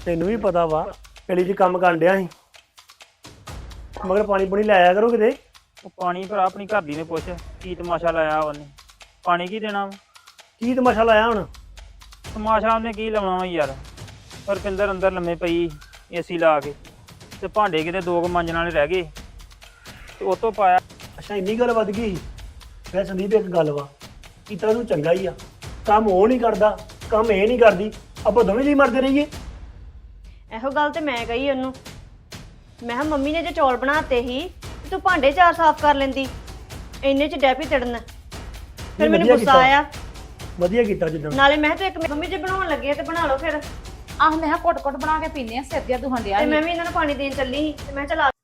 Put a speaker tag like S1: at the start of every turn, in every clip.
S1: ਤੈਨੂੰ ਵੀ ਪਤਾ ਵਾ ਪਹਿਲੀ ਜੀ ਕੰਮ ਕਰਨ ਡਿਆ ਸੀ ਮਗਰ ਪਾਣੀ ਪੂਣੀ ਲੈ ਆਇਆ ਕਰੋ ਕਿਤੇ।
S2: ਉਹ ਪਾਣੀ ਭਰਾ ਆਪਣੀ ਘਰ ਦੀ ਨੇ ਪੁੱਛ ਕੀ ਤਮਾਸ਼ਾ ਲਾਇਆ ਉਹਨੇ। ਪਾਣੀ ਕੀ ਦੇਣਾ ਵਾ?
S1: ਕੀ ਤਮਾਸ਼ਾ ਲਾਇਆ ਹੁਣ?
S2: ਤਮਾਸ਼ਾ ਉਹਨੇ ਕੀ ਲਾਉਣਾ ਵਾ ਯਾਰ। ਰੁਪਿੰਦਰ ਅੰਦਰ ਲੰਮੇ ਪਈ ਏਸੀ ਲਾ ਕੇ ਤੇ ਭਾਂਡੇ ਕਿਤੇ ਦੋ ਕੁ ਮਾਂਜਣ ਵਾਲੇ ਰਹਿ ਗਏ ਤੇ ਉਹ ਤੋਂ ਪਾਇਆ।
S1: ਅੱਛਾ ਇੰਨੀ ਗੱਲ ਵੱਧ ਗਈ। ਫਿਰ ਸੰਦੀਪ ਇੱਕ ਗੱਲ ਵਾ, ਕੀਤਾ ਤੂੰ ਚੰਗਾ ਹੀ ਆ। ਕੰਮ ਉਹ ਨਹੀਂ ਕਰਦਾ, ਕੰਮ ਇਹ ਨਹੀਂ ਕਰਦੀ, ਆਪਾਂ ਦੋਵੇਂ ਜੀ ਮਰਦੇ ਰਹੀਏ।
S3: ਇਹੋ ਗੱਲ ਤੇ ਮੈਂ ਕਹੀ ਉਹਨੂੰ। ਮੈਂ ਕਿਹਾ ਮੰਮੀ ਨੇ ਜੇ ਚੌਲ ਬਣਾਤੇ ਸੀ ਤੇ ਤੂੰ ਭਾਂਡੇ ਚਾਰ ਸਾਫ਼ ਕਰ ਲੈਂਦੀ, ਇੰਨੇ ਚ ਡੈਪੀ ਤੜਨ। ਫਿਰ ਮੈਨੂੰ
S1: ਵਧੀਆ
S3: ਗੁੱਸਾ
S1: ਕੀਤਾ।
S3: ਆਇਆ।
S1: ਵਧੀਆ ਕੀਤਾ ਜਿੱਦਾਂ।
S3: ਨਾਲੇ ਮੈਂ ਕਿਹਾ ਤੂੰ ਇੱਕ ਮੰਮੀ ਜੇ ਬਣਾਉਣ ਲੱਗੇ ਆ ਤੇ ਬਣਾ ਲਓ ਫਿਰ।
S4: ਆਹ ਮੈਂ ਕਿਹਾ ਘੁੱਟ-ਘੁੱਟ ਬਣਾ ਕੇ ਪੀਨੇ ਆ, ਸਿਰ ਜਿਹਾ ਦੁਖਣ ਡਿਆ
S3: ਤੇ
S4: ਸੀ।
S3: ਮੈਂ ਵੀ ਇਹਨਾਂ ਨੂੰ ਪਾਣੀ ਦੇਣ ਚੱਲੀ ਸੀ ਤੇ ਮੈਂ ਚਲਾ।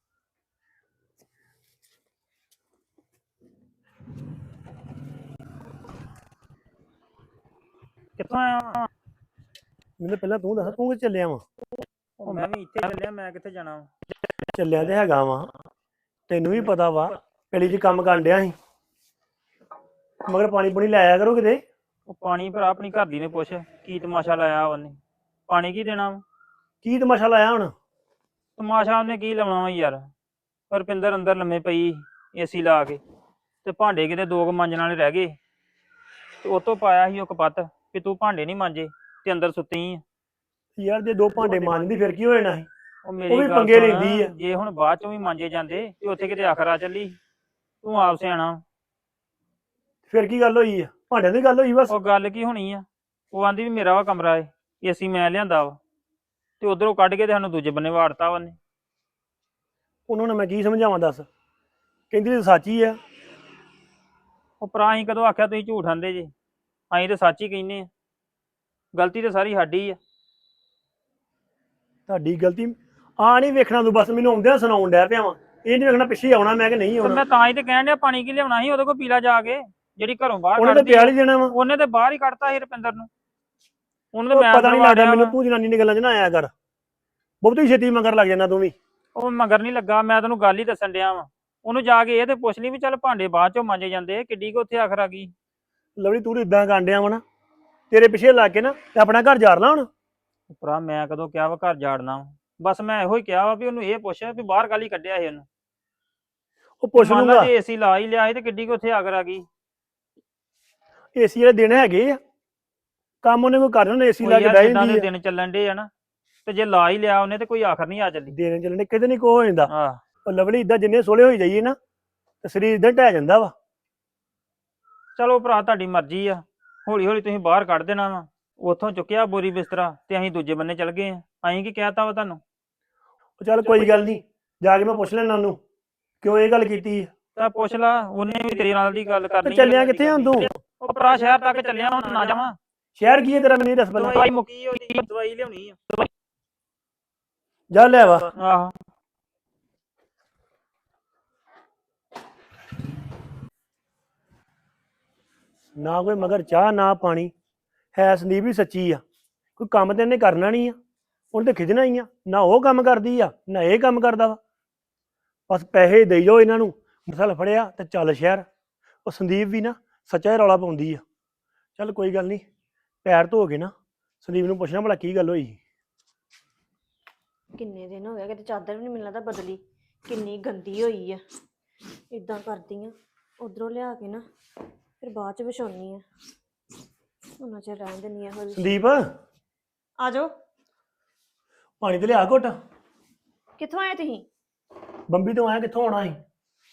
S2: ਕਿੱਥੋਂ ਆਇਆ ਵਾਂ?
S1: ਮੈਨੂੰ ਪਹਿਲਾਂ ਤੂੰ ਦੱਸ, ਤੂੰ ਕਿੱਥੇ ਚੱਲਿਆ ਵਾ?
S2: ਉਹ ਮੈਂ ਵੀ ਇੱਥੇ ਚੱਲਿਆ, ਮੈਂ ਕਿੱਥੇ ਜਾਣਾ ਵਾ?
S1: ਚੱਲਿਆ ਤੇ ਹੈਗਾ ਵਾ, ਤੈਨੂੰ ਵੀ ਪਤਾ ਵਾ ਪਹਿਲੀ ਜੀ ਕੰਮ ਕਰਨ ਡਿਆ ਸੀ ਮਗਰ ਪਾਣੀ ਪੂਣੀ ਲੈ ਆਇਆ ਕਰੋ ਕਿਤੇ।
S2: ਉਹ ਪਾਣੀ ਭਰਾ ਆਪਣੀ ਘਰ ਦੀ ਨੇ ਪੁੱਛ ਕੀ ਤਮਾਸ਼ਾ ਲਾਇਆ ਉਹਨੇ। ਪਾਣੀ ਕੀ ਦੇਣਾ ਵਾ?
S1: ਕੀ ਤਮਾਸ਼ਾ ਲਾਇਆ ਹੁਣ?
S2: ਤਮਾਸ਼ਾ ਉਹਨੇ ਕੀ ਲਾਉਣਾ ਵਾ ਯਾਰ। ਰੁਪਿੰਦਰ ਅੰਦਰ ਲੰਮੇ ਪਈ ਏਸੀ ਲਾ ਕੇ ਤੇ ਭਾਂਡੇ ਕਿਤੇ ਦੋ ਕੁ ਮਾਂਜਣ ਵਾਲੇ ਰਹਿ ਗਏ ਤੇ ਉਹ ਤੋਂ ਪਾਇਆ ਸੀ ਉਹ ਕਪੱਤ ਕਿ ਤੂੰ ਭਾਂਡੇ ਨਹੀਂ ਮਾਂਜੇ ਤੇ ਅੰਦਰ ਸੁੱਤੀ ਆ।
S1: ਯਾਰ ਜੇ ਦੋ ਭਾਂਡੇ ਮਾਂਜਦੀ ਫਿਰ ਕੀ ਹੋ ਜਾਣਾ ਸੀ?
S2: ਉਹ ਮੇਰੀ
S1: ਉਹ ਵੀ
S2: ਗੱਲ
S1: ਪੰਗੇ
S2: ਸੁਣ,
S1: ਲੈਂਦੀ ਆ।
S2: ਜੇ ਹੁਣ ਬਾਅਦ ਚੋਂ ਵੀ ਮਾਂਜੇ ਜਾਂਦੇ ਤੇ ਉੱਥੇ ਕਿਤੇ ਆਖਰਾ ਚੱਲੀ। ਤੂੰ ਆਪ ਸਿਆਣਾ।
S1: ਫਿਰ ਕੀ ਗੱਲ ਹੋਈ ਆ? ਭਾਂਡਿਆਂ ਦੀ ਗੱਲ ਹੋਈ ਬਸ।
S2: ਉਹ ਗੱਲ ਕੀ ਹੋਣੀ ਆ? ਉਹ ਆਂਦੀ ਵੀ ਮੇਰਾ ਵਾ ਕਮਰਾ ਏ, ਏਸੀ ਮੈਂ ਲਿਆਂਦਾ ਵਾ ਤੇ ਉਧਰੋਂ ਕੱਢ ਕੇ ਤੇ ਸਾਨੂੰ ਦੂਜੇ ਬੰਨੇ ਵਾੜਤਾ ਉਹਨੇ।
S1: ਉਹਨਾਂ ਨੂੰ ਮੈਂ ਕੀ ਸਮਝਾਵਾਂ ਦੱਸ? ਕਹਿੰਦੀ ਤੇ ਸੱਚ ਹੀ ਆ।
S2: ਉਹ ਭਰਾ ਅਸੀਂ ਕਦੋਂ ਆਖਿਆ ਤੁਸੀਂ ਝੂਠ ਆਂਦੇ ਜੇ? ਅਸੀਂ ਤੇ ਸੱਚ ਹੀ ਕਹਿੰਦੇ ਆ। ਗਲਤੀ ਤੇ ਸਾਰੀ ਸਾਡੀ ਆ।
S1: ਤੁਹਾਡੀ ਗਲਤੀ ਆ ਨਹੀਂ ਵੇਖਣਾ, ਤੂੰ ਬਸ ਮੈਨੂੰ ਆਉਂਦਿਆਂ ਸੁਣਾਉਣ ਡਿਆ ਪਿਆ ਵਾ। ਇਹ ਨਹੀਂ ਵੇਖਣਾ ਪਿੱਛੇ ਆਉਣਾ ਮੈਂ ਕਿ ਨਹੀਂ
S2: ਤੇ
S1: ਆਉਣਾ।
S2: ਮੈਂ ਤਾਂ ਹੀ ਤੇ ਕਹਿਣ ਡਿਆ ਪਾਣੀ ਕੀ ਲਿਆਉਣਾ ਸੀ ਉਹਦੇ ਕੋਲ ਪੀਲਾ ਜਾ ਕੇ, ਜਿਹੜੀ ਘਰੋਂ ਬਾਹਰ
S1: ਉਹਨੇ ਤਾਂ
S2: ਕੱਢਦੀ
S1: ਪਿਆਲ ਹੀ ਦੇਣਾ ਵਾ।
S2: ਉਹਨੇ ਤੇ ਬਾਹਰ ਹੀ ਕੱਢਤਾ ਸੀ ਰੁਪਿੰਦਰ ਨੂੰ। ਉਹਨੇ ਤੇ
S1: ਉਹ
S2: ਮੈਂ
S1: ਪਤਾ ਨਹੀਂ ਲੱਗਦਾ
S2: ਵਾੜਿਆ
S1: ਮੈਨੂੰ,
S2: ਵਾ।
S1: ਤੂੰ ਜਨਾਨੀ ਦੀਆਂ ਗੱਲਾਂ 'ਚ ਨਾ ਆਇਆ ਕਰ। ਬਹੁਤੀ ਛੇਤੀ ਮਗਰ ਲੱਗ ਜਾਂਦਾ ਤੂੰ ਵੀ।
S2: ਉਹ ਮਗਰ ਨਹੀਂ ਲੱਗਾ, ਮੈਂ ਤੈਨੂੰ ਗੱਲ ਹੀ ਦੱਸਣ ਡਿਆ ਵਾ। ਉਹਨੂੰ ਜਾ ਕੇ ਇਹ ਤੇ ਪੁੱਛ ਲਈ ਵੀ ਚੱਲ ਭਾਂਡੇ ਬਾਅਦ ਚੋਂ ਮਾਂਜੇ ਜਾਂਦੇ, ਕਿੱਡੀ ਕੁ ਉੱਥੇ ਆਖਰ ਆ ਗਈ।
S1: ਲਵਲੀ ਤੂੰ ਇਦਾਂ ਕਾਂਡਿਆ ਵਾ ਨਾ, ਤੇਰੇ ਪਿੱਛੇ ਲੱਗ ਕੇ ਨਾ ਤੇ ਆਪਣਾ ਘਰ ਜਾੜ ਲਾ ਹੁਣ।
S2: ਭਰਾ ਮੈਂ ਕਦੋਂ ਕਿਹਾ ਵਾ ਘਰ ਜਾੜਨਾ ਵਾ? ਬਸ ਮੈਂ ਇਹੋ ਹੀ ਕਿਹਾ ਵਾ ਵੀ ਉਹਨੂੰ ਇਹ ਪੁੱਛ ਵੀ ਬਾਹਰ ਕਾਲੀ ਕੱਢਿਆ ਸੀ ਉਹਨੂੰ।
S1: ਉਹ ਪੁੱਛ
S2: ਮੰਨ ਲਾ
S1: ਲੂੰਗਾ।
S2: ਜੇ ਏਸੀ ਲਾ ਹੀ ਲਿਆ ਸੀ ਤੇ ਕਿੱਡੀ ਕੁ ਉੱਥੇ ਆਖਰ ਆ ਗਈ।
S1: ਏਸੀ ਵਾਲੇ ਦਿਨ ਹੈਗੇ ਆ, ਕੰਮ ਉਹਨੇ ਕੋਈ ਕਰਨਾ ਉਹਨੇ ਏਸੀ ਲਾ ਕੇ
S2: ਯਾਰ
S1: ਬਹਿ
S2: ਜਿੱਦਾਂ ਦੇ
S1: ਜਾਂਦੀ ਆ।
S2: ਦਿਨ ਚੱਲਣ ਡੇ ਆ ਨਾ, ਤੇ ਜੇ ਲਾ ਹੀ ਲਿਆ ਉਹਨੇ ਤੇ ਕੋਈ ਆਖਰ ਨਹੀਂ ਆ ਚੱਲੀ।
S1: ਦਿਨ ਚੱਲਣੇ ਕਿਤੇ ਨਹੀਂ ਕੋ ਹੋ ਜਾਂਦਾ।
S2: ਆਹ
S1: ਉਹ ਲਵਲੀ ਇਦਾਂ ਜਿੰਨੇ ਸੋਲੇ ਹੋਈ ਜਾਈਏ ਨਾ ਤੇ ਸਰੀਰ ਇਦਾਂ ਢਹਿ ਜਾਂਦਾ ਵਾ।
S2: ਚਲੋ ਭਰਾ ਤੁਹਾਡੀ ਮਰਜ਼ੀ ਆ, ਹੌਲੀ ਹੌਲੀ ਤੁਸੀਂ ਬਾਹਰ ਕੱਢ ਦੇਣਾ ਵਾ। ਉੱਥੋਂ ਚੁੱਕਿਆ ਬੋਰੀ ਬਿਸਤਰਾ ਤੇ ਅਸੀਂ ਦੂਜੇ ਬੰਨੇ ਚੱਲ ਗਏ ਆ। ਅਸੀਂ ਕੀ ਕਹਿਤਾ ਵਾ ਤੁਹਾਨੂੰ?
S1: ਉਹ ਚੱਲ ਕੋਈ ਗੱਲ ਨਹੀਂ, ਜਾ ਕੇ ਮੈਂ ਪੁੱਛ ਲੈਣਾ ਉਹਨੂੰ ਕਿਉਂ ਇਹ ਗੱਲ ਕੀਤੀ ਆ।
S2: ਤਾਂ ਪੁੱਛ ਲਾ, ਉਹਨੇ ਵੀ ਤੇਰੇ ਨਾਲ ਦੀ ਗੱਲ
S1: ਤੇ
S2: ਕਰਨੀ।
S1: ਚੱਲਿਆ ਕਿੱਥੇ ਹੁਣ ਤੂੰ?
S2: ਉਹ ਭਰਾ ਸ਼ਹਿਰ ਤੱਕ ਚੱਲਿਆ, ਹੁਣ ਨਾ ਜਾਵਾਂ।
S1: ਸ਼ਹਿਰ ਕੀ ਹੈ ਤੇਰਾ, ਮੈਨੂੰ ਇਹ ਦੱਸ ਪਹਿਲਾਂ।
S2: ਦਵਾਈ ਮੁੱਕੀ ਹੋਈ, ਦਵਾਈ ਲਿਆਉਣੀ ਆ।
S1: ਜਾ ਲੈ ਵਾ।
S2: ਆਹੋ
S1: ਨਾ ਕੋਈ ਮਗਰ ਚਾਹ ਨਾ ਪਾਣੀ ਹੈ। ਸੰਦੀਪ ਵੀ ਸੱਚੀ ਆ, ਕੋਈ ਕੰਮ ਤੇ ਇਹਨੇ ਕਰਨਾ ਨਹੀਂ ਆ, ਉਹਨੇ ਤੇ ਖਿਜਣਾ ਹੀ ਆ। ਨਾ ਉਹ ਕੰਮ ਕਰਦੀ ਆ ਨਾ ਇਹ ਕੰਮ ਕਰਦਾ ਵਾ। ਬਸ ਪੈਸੇ ਦੇਈ ਜਾਓ ਇਹਨਾਂ ਨੂੰ, ਮਸਲ ਫੜਿਆ ਤੇ ਚੱਲ ਸ਼ਹਿਰ। ਉਹ ਸੰਦੀਪ ਵੀ ਨਾ ਸੱਚਾ ਹੀ ਰੌਲਾ ਪਾਉਂਦੀ ਆ। ਚੱਲ ਕੋਈ ਗੱਲ ਨਹੀਂ, ਪੈਰ ਧੋ ਕੇ ਨਾ ਸੰਦੀਪ ਨੂੰ ਪੁੱਛਣਾ ਭਲਾ ਕੀ ਗੱਲ ਹੋਈ।
S3: ਕਿੰਨੇ ਦਿਨ ਹੋ ਗਏ ਕਿਤੇ ਚਾਦਰ ਵੀ ਨਹੀਂ ਮਿਲਦਾ ਬਦਲੀ, ਕਿੰਨੀ ਗੰਦੀ ਹੋਈ ਆ। ਇਦਾਂ ਕਰਦੀ ਆ, ਉਧਰੋਂ ਲਿਆ ਕੇ ਨਾ ਫਿਰ ਬਾਅਦ ਚ ਵਿਛਾਉਣੀ ਆ। ਉਹਨਾਂ ਚਿਰ ਰਹਿਣ ਦਿੰਦੀ ਆ। ਹੋਈ
S1: ਸੰਦੀਪ
S3: ਆ ਜਾਓ।
S1: ਪਾਣੀ ਤੇ ਲਿਆ ਘੁੱਟ।
S3: ਕਿੱਥੋਂ ਆਏ ਤੁਸੀਂ?
S1: ਬੰਬੀ ਤੋਂ ਆਇਆ, ਕਿੱਥੋਂ ਆਉਣਾ ਸੀ?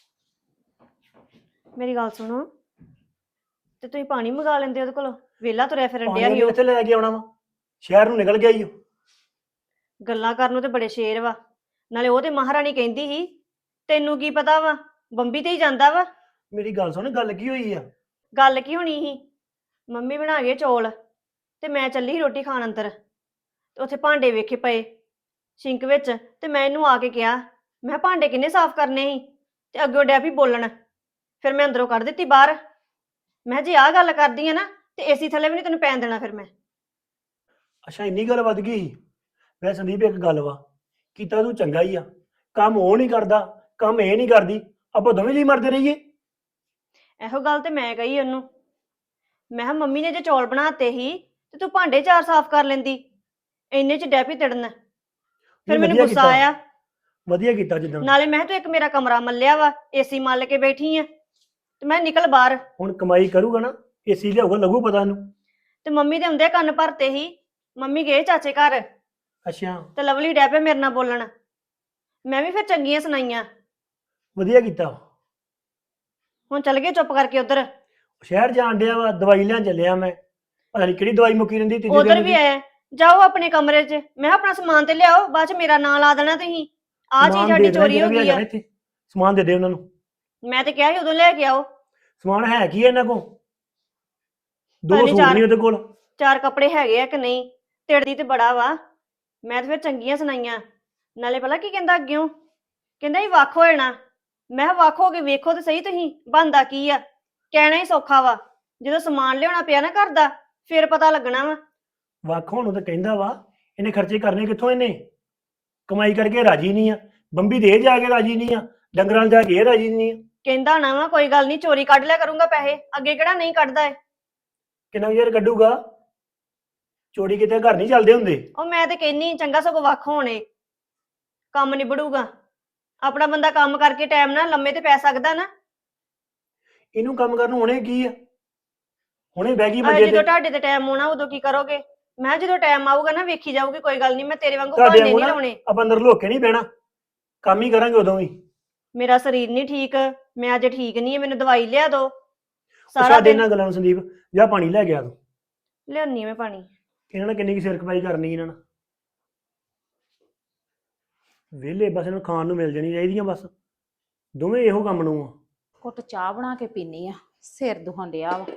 S3: ਮੇਰੀ ਗੱਲ ਸੁਣੋ, ਤੇ ਤੁਸੀਂ ਪਾਣੀ ਮੰਗਾ ਲੈਂਦੇ ਉਹਦੇ ਕੋਲੋਂ। ਵੇਲਾ ਤੁਰਿਆ ਫਿਰਨ
S1: ਪਾਣੀ
S3: ਡਿਆ ਸੀ
S1: ਉਹਨੇ
S3: ਉਹ।
S1: ਕਿੱਥੇ ਲੈ ਕੇ ਆਉਣਾ ਵਾ? ਸ਼ਹਿਰ ਨੂੰ ਨਿਕਲ ਗਿਆ ਈ ਉਹ।
S3: ਗੱਲਾਂ ਕਰਨ ਨੂੰ ਤੇ ਬੜੇ ਸ਼ੇਰ ਵਾ। ਨਾਲੇ ਉਹ ਤੇ ਮਹਾਰਾਣੀ ਕਹਿੰਦੀ ਸੀ, ਤੈਨੂੰ ਕੀ ਪਤਾ ਵਾ, ਬੰਬੀ ਤੇ ਹੀ ਜਾਂਦਾ ਵਾ।
S1: ਮੇਰੀ ਗੱਲ ਸੁਣ, ਗੱਲ ਕੀ ਹੋਈ ਆ?
S3: ਗੱਲ ਕੀ ਹੋਣੀ ਸੀ? ਮੰਮੀ ਬਣਾ ਗਏ ਚੌਲ ਤੇ ਮੈਂ ਚੱਲੀ ਸੀ ਰੋਟੀ ਖਾਣ ਅੰਦਰ, ਤੇ ਉੱਥੇ ਭਾਂਡੇ ਵੇਖੇ ਪਏ ਸਿੰਕ ਵਿੱਚ। ਤੇ ਮੈਂ ਇਹਨੂੰ ਆ ਕੇ ਕਿਹਾ, ਮੈਂ ਕਿਹਾ ਭਾਂਡੇ ਕਿੰਨੇ ਸਾਫ਼ ਕਰਨੇ ਸੀ? ਤੇ ਅੱਗੋਂ ਡਿਆ ਵੀ ਬੋਲਣ। ਫਿਰ ਮੈਂ ਅੰਦਰੋਂ ਕੱਢ ਦਿੱਤੀ ਬਾਹਰ। ਮੈਂ ਕਿਹਾ ਜੇ ਆਹ ਗੱਲ ਕਰਦੀ ਆ ਨਾ ਤੇ ਏਸੀ ਥੱਲੇ ਵੀ ਨਹੀਂ ਤੈਨੂੰ ਪੈਣ ਦੇਣਾ ਫਿਰ ਮੈਂ।
S1: ਅੱਛਾ ਇੰਨੀ ਗੱਲ ਵੱਧ ਗਈ ਸੀ? ਵੈਸੇ ਸੰਦੀਪ ਇੱਕ ਗੱਲ ਵਾ, ਕੀਤਾ ਤੂੰ ਚੰਗਾ ਹੀ ਆ। ਕੰਮ ਉਹ ਨਹੀਂ ਕਰਦਾ, ਕੰਮ ਇਹ ਨਹੀਂ ਕਰਦੀ, ਆਪਾਂ ਦੋਵੇਂ ਜੀ ਮਰਦੇ ਰਹੀਏ।
S3: ਇਹੋ ਗੱਲ ਤੇ ਮੈਂ ਕਹੀ ਉਹਨੂੰ। ਮੈਂ ਕਿਹਾ ਮੰਮੀ ਨੇ ਜੇ ਚੌਲ ਬਣਾਤੇ ਸੀ ਤੇ ਤੂੰ ਭਾਂਡੇ ਚਾਰ ਸਾਫ਼ ਕਰ ਲੈਂਦੀ, ਇੰਨੇ ਚ ਡੈਪੀ ਤੜਨ ਫਿਰ
S1: ਨਹੀਂ,
S3: ਮੈਨੂੰ
S1: ਵਧੀਆ
S3: ਗੁੱਸਾ
S1: ਕੀਤਾ।
S3: ਆਇਆ।
S1: ਵਧੀਆ ਕੀਤਾ ਜਿੱਦਾਂ।
S3: ਨਾਲੇ ਮੈਂ ਕਿਹਾ ਤੂੰ ਇੱਕ ਮੇਰਾ ਕਮਰਾ ਮੱਲਿਆ ਵਾ, ਏਸੀ ਮੱਲ ਕੇ ਬੈਠੀ ਆ ਤੇ ਮੈਂ ਨਿਕਲ ਬਾਹਰ।
S1: ਹੁਣ ਕਮਾਈ ਕਰੂਗਾ ਨਾ, ਏਸੀ ਲਿਆਊਗਾ, ਲੱਗੂ ਪਤਾ ਇਹਨੂੰ।
S3: ਤੇ ਮੰਮੀ ਦੇ ਹੁੰਦੇ ਕੰਨ ਭਰਤੇ ਹੀ। ਮੰਮੀ ਗਏ ਚਾਚੇ ਘਰ
S1: ਅੱਛਾ,
S3: ਤੇ ਲਵਲੀ ਡੈ ਪਿਆ ਮੇਰੇ ਨਾਲ ਬੋਲਣ। ਮੈਂ ਵੀ ਫਿਰ ਚੰਗੀਆਂ ਸੁਣਾਈਆਂ।
S1: ਵਧੀਆ ਕੀਤਾ।
S3: ਹੁਣ ਚੱਲ ਗਏ ਚੁੱਪ ਕਰਕੇ ਉਧਰ।
S1: ਸ਼ਹਿਰ ਜਾਣ ਡਿਆ ਵਾ, ਦਵਾਈ ਲੈਣ ਚੱਲਿਆ ਮੈਂ। ਪਤਾ ਨਹੀਂ ਕਿਹੜੀ ਦਵਾਈ ਮੁੱਕੀ ਰਹਿੰਦੀ ਤੀਜੇ
S3: ਉਧਰ
S1: ਦਿਨ
S3: ਵੀ
S1: ਦੀ।
S3: ਆਏ, ਜਾਓ ਆਪਣੇ ਕਮਰੇ 'ਚ। ਮੈਂ ਕਿਹਾ ਆਪਣਾ ਸਮਾਨ ਤੇ ਲਿਆਓ, ਬਾਅਦ 'ਚ ਮੇਰਾ ਨਾਂ ਲਾ ਦੇਣਾ ਤੁਸੀਂ। ਆਹ ਚੀਜ਼
S1: ਸਮਾਨ
S3: ਸਾਡੀ
S1: ਦੇ ਦੇਣਾ
S3: ਚੋਰੀ
S1: ਜਿਹੜਾ
S3: ਹੋ
S1: ਵੀ
S3: ਗਈ
S1: ਹੈਗਾ
S3: ਆ।
S1: ਨਾ ਇੱਥੇ, ਸਮਾਨ ਦੇ ਦੇ ਉਹਨਾਂ ਨੂੰ।
S3: ਮੈਂ ਤੇ ਕਿਹਾ ਸੀ ਉਦੋਂ ਲੈ ਕੇ ਆਓ।
S1: ਸਮਾਨ ਹੈ ਕੀ ਹੈ ਇਹਨਾਂ ਕੋਲ? ਦੋ
S3: ਪਤਾ ਨੀ
S1: ਸੂਟ ਨਹੀਂ ਉਹਦੇ ਕੋਲ।
S3: 4 ਕੱਪੜੇ ਹੈਗੇ ਆ ਕਿ ਨਹੀਂ? ਤਿੜਦੀ ਤੇ ਬੜਾ ਵਾ। ਮੈਂ ਤੇ ਫਿਰ ਚੰਗੀਆਂ ਸੁਣਾਈਆਂ। ਨਾਲੇ ਪਤਾ ਕੀ ਕਹਿੰਦਾ ਅੱਗਿਓਂ? ਕਹਿੰਦਾ ਇਹ ਵੱਖ ਹੋ ਜਾਣਾ। ਮੈਂ ਕਿਹਾ ਵੱਖ ਹੋ ਕੇ ਵੇਖੋ ਤੇ ਸਹੀ ਤੁਸੀਂ ਬਣਦਾ ਕੀ ਆ। ਕਹਿਣਾ ਹੀ ਸੌਖਾ ਵਾ, ਜਦੋਂ ਸਮਾਨ ਲਿਆਉਣਾ ਪਿਆ ਨਾ ਘਰ ਦਾ ਫਿਰ ਪਤਾ ਲੱਗਣਾ ਵਾ।
S1: ਵੱਖ ਹੋਣ ਨੂੰ ਤਾਂ ਕਹਿੰਦਾ ਵਾ, ਇਹਨੇ ਖਰਚੇ ਕਰਨੇ ਕਿੱਥੋਂ? ਇਹਨੇ ਕਮਾਈ ਕਰਕੇ ਰਾਜੀ ਨਹੀਂ ਆ। ਬੰਬੀ ਦੇ ਜਾ ਕੇ ਰਾਜੀ ਨਹੀਂ ਆ, ਡੰਗਰਾਂ ਨੂੰ ਜਾ ਕੇ ਇਹ ਰਾਜੀ ਨਹੀਂ ਆ।
S3: ਕਹਿੰਦਾ ਨਾ ਵਾ ਕੋਈ ਗੱਲ ਨਹੀਂ, ਚੋਰੀ ਕੱਢ ਲਿਆ ਕਰੂੰਗਾ ਪੈਸੇ। ਅੱਗੇ ਕਿਹੜਾ ਨਹੀਂ ਕੱਢਦਾ ਏ।
S1: ਕਿੰਨਾ ਯਾਰ ਕੱਢੂਗਾ? ਚੋਰੀ ਕਿਤੇ ਘਰ ਨਹੀਂ ਚੱਲਦੇ ਹੁੰਦੇ।
S3: ਉਹ ਮੈਂ ਤੇ ਕਹਿੰਨੀ ਚੰਗਾ ਸਗੋਂ ਵੱਖ ਹੋਣੇ, ਕੰਮ ਨਿਬੜੂਗਾ। ਆਪਣਾ ਬੰਦਾ ਕੰਮ ਕਰਕੇ ਟਾਈਮ ਨਾਲ ਲੰਮੇ ਤੇ ਪੈ ਸਕਦਾ ਨਾ।
S1: ਇਹਨੂੰ ਕੰਮ ਕਰਨ ਨੂੰ ਹੁਣੇ ਕੀ ਆ? ਹੁਣੇ ਬਹਿ ਗਈ
S3: ਆਹ
S1: ਮੰਜੇ
S3: ਜਦੋਂ
S1: ਤੇ।
S3: ਤੁਹਾਡੇ ਤੇ ਟਾਈਮ ਆਉਣਾ ਉਦੋਂ ਕੀ ਕਰੋਗੇ? ਮੈਂ ਕਿਹਾ ਜਦੋਂ ਟਾਈਮ ਆਊਗਾ ਨਾ ਵੇਖੀ ਜਾਊਗੀ, ਕੋਈ ਗੱਲ ਨਹੀਂ। ਮੈਂ ਤੇਰੇ ਵਾਂਗੂ
S1: ਤੁਹਾਡੇ
S3: ਬਹਾਨੇ
S1: ਵਾਂਗੂ
S3: ਨਹੀਂ
S1: ਨਾ
S3: ਲਾਉਣੇ।
S1: ਆਪਾਂ ਅੰਦਰ ਲੁੱਕ ਕੇ ਨਹੀਂ ਬਹਿਣਾ, ਕੰਮ ਹੀ ਕਰਾਂਗੇ ਉਦੋਂ ਵੀ।
S3: ਮੇਰਾ ਸਰੀਰ ਨਹੀਂ ਠੀਕ, ਮੈਂ ਅੱਜ ਠੀਕ ਨਹੀਂ ਹੈ। ਮੈਨੂੰ ਦਵਾਈ ਲਿਆ ਦੋ।
S1: ਉਹ
S3: ਸਾਰਾ
S1: ਸਾਡੇ
S3: ਦਿਨ
S1: ਇਹਨਾਂ ਗੱਲਾਂ ਨੂੰ ਸੰਦੀਪ, ਜਾਂ ਪਾਣੀ ਲੈ ਗਿਆ ਤੂੰ।
S3: ਲਿਆਉਣੀ ਮੈਂ ਪਾਣੀ।
S1: ਇਹਨਾਂ ਨੇ ਕਿੰਨੀ ਕੁ ਸਿਰ ਖਪਾਈ ਕਰਨੀ ਇਹਨਾਂ ਨਾਲ। ਵਿਹਲੇ ਬਸ ਇਹਨੂੰ ਖਾਣ ਨੂੰ ਮਿਲ ਜਾਣੀ ਚਾਹੀਦੀਆਂ ਬਸ। ਦੋਵੇਂ ਇਹੋ ਕੰਮ ਨੂੰ ਆ।
S4: ਘੁੱਟ ਚਾਹ ਬਣਾ ਕੇ ਪੀਨੀ ਆ, ਸਿਰ ਦੁਖਣ ਡਿਆ ਵਾ।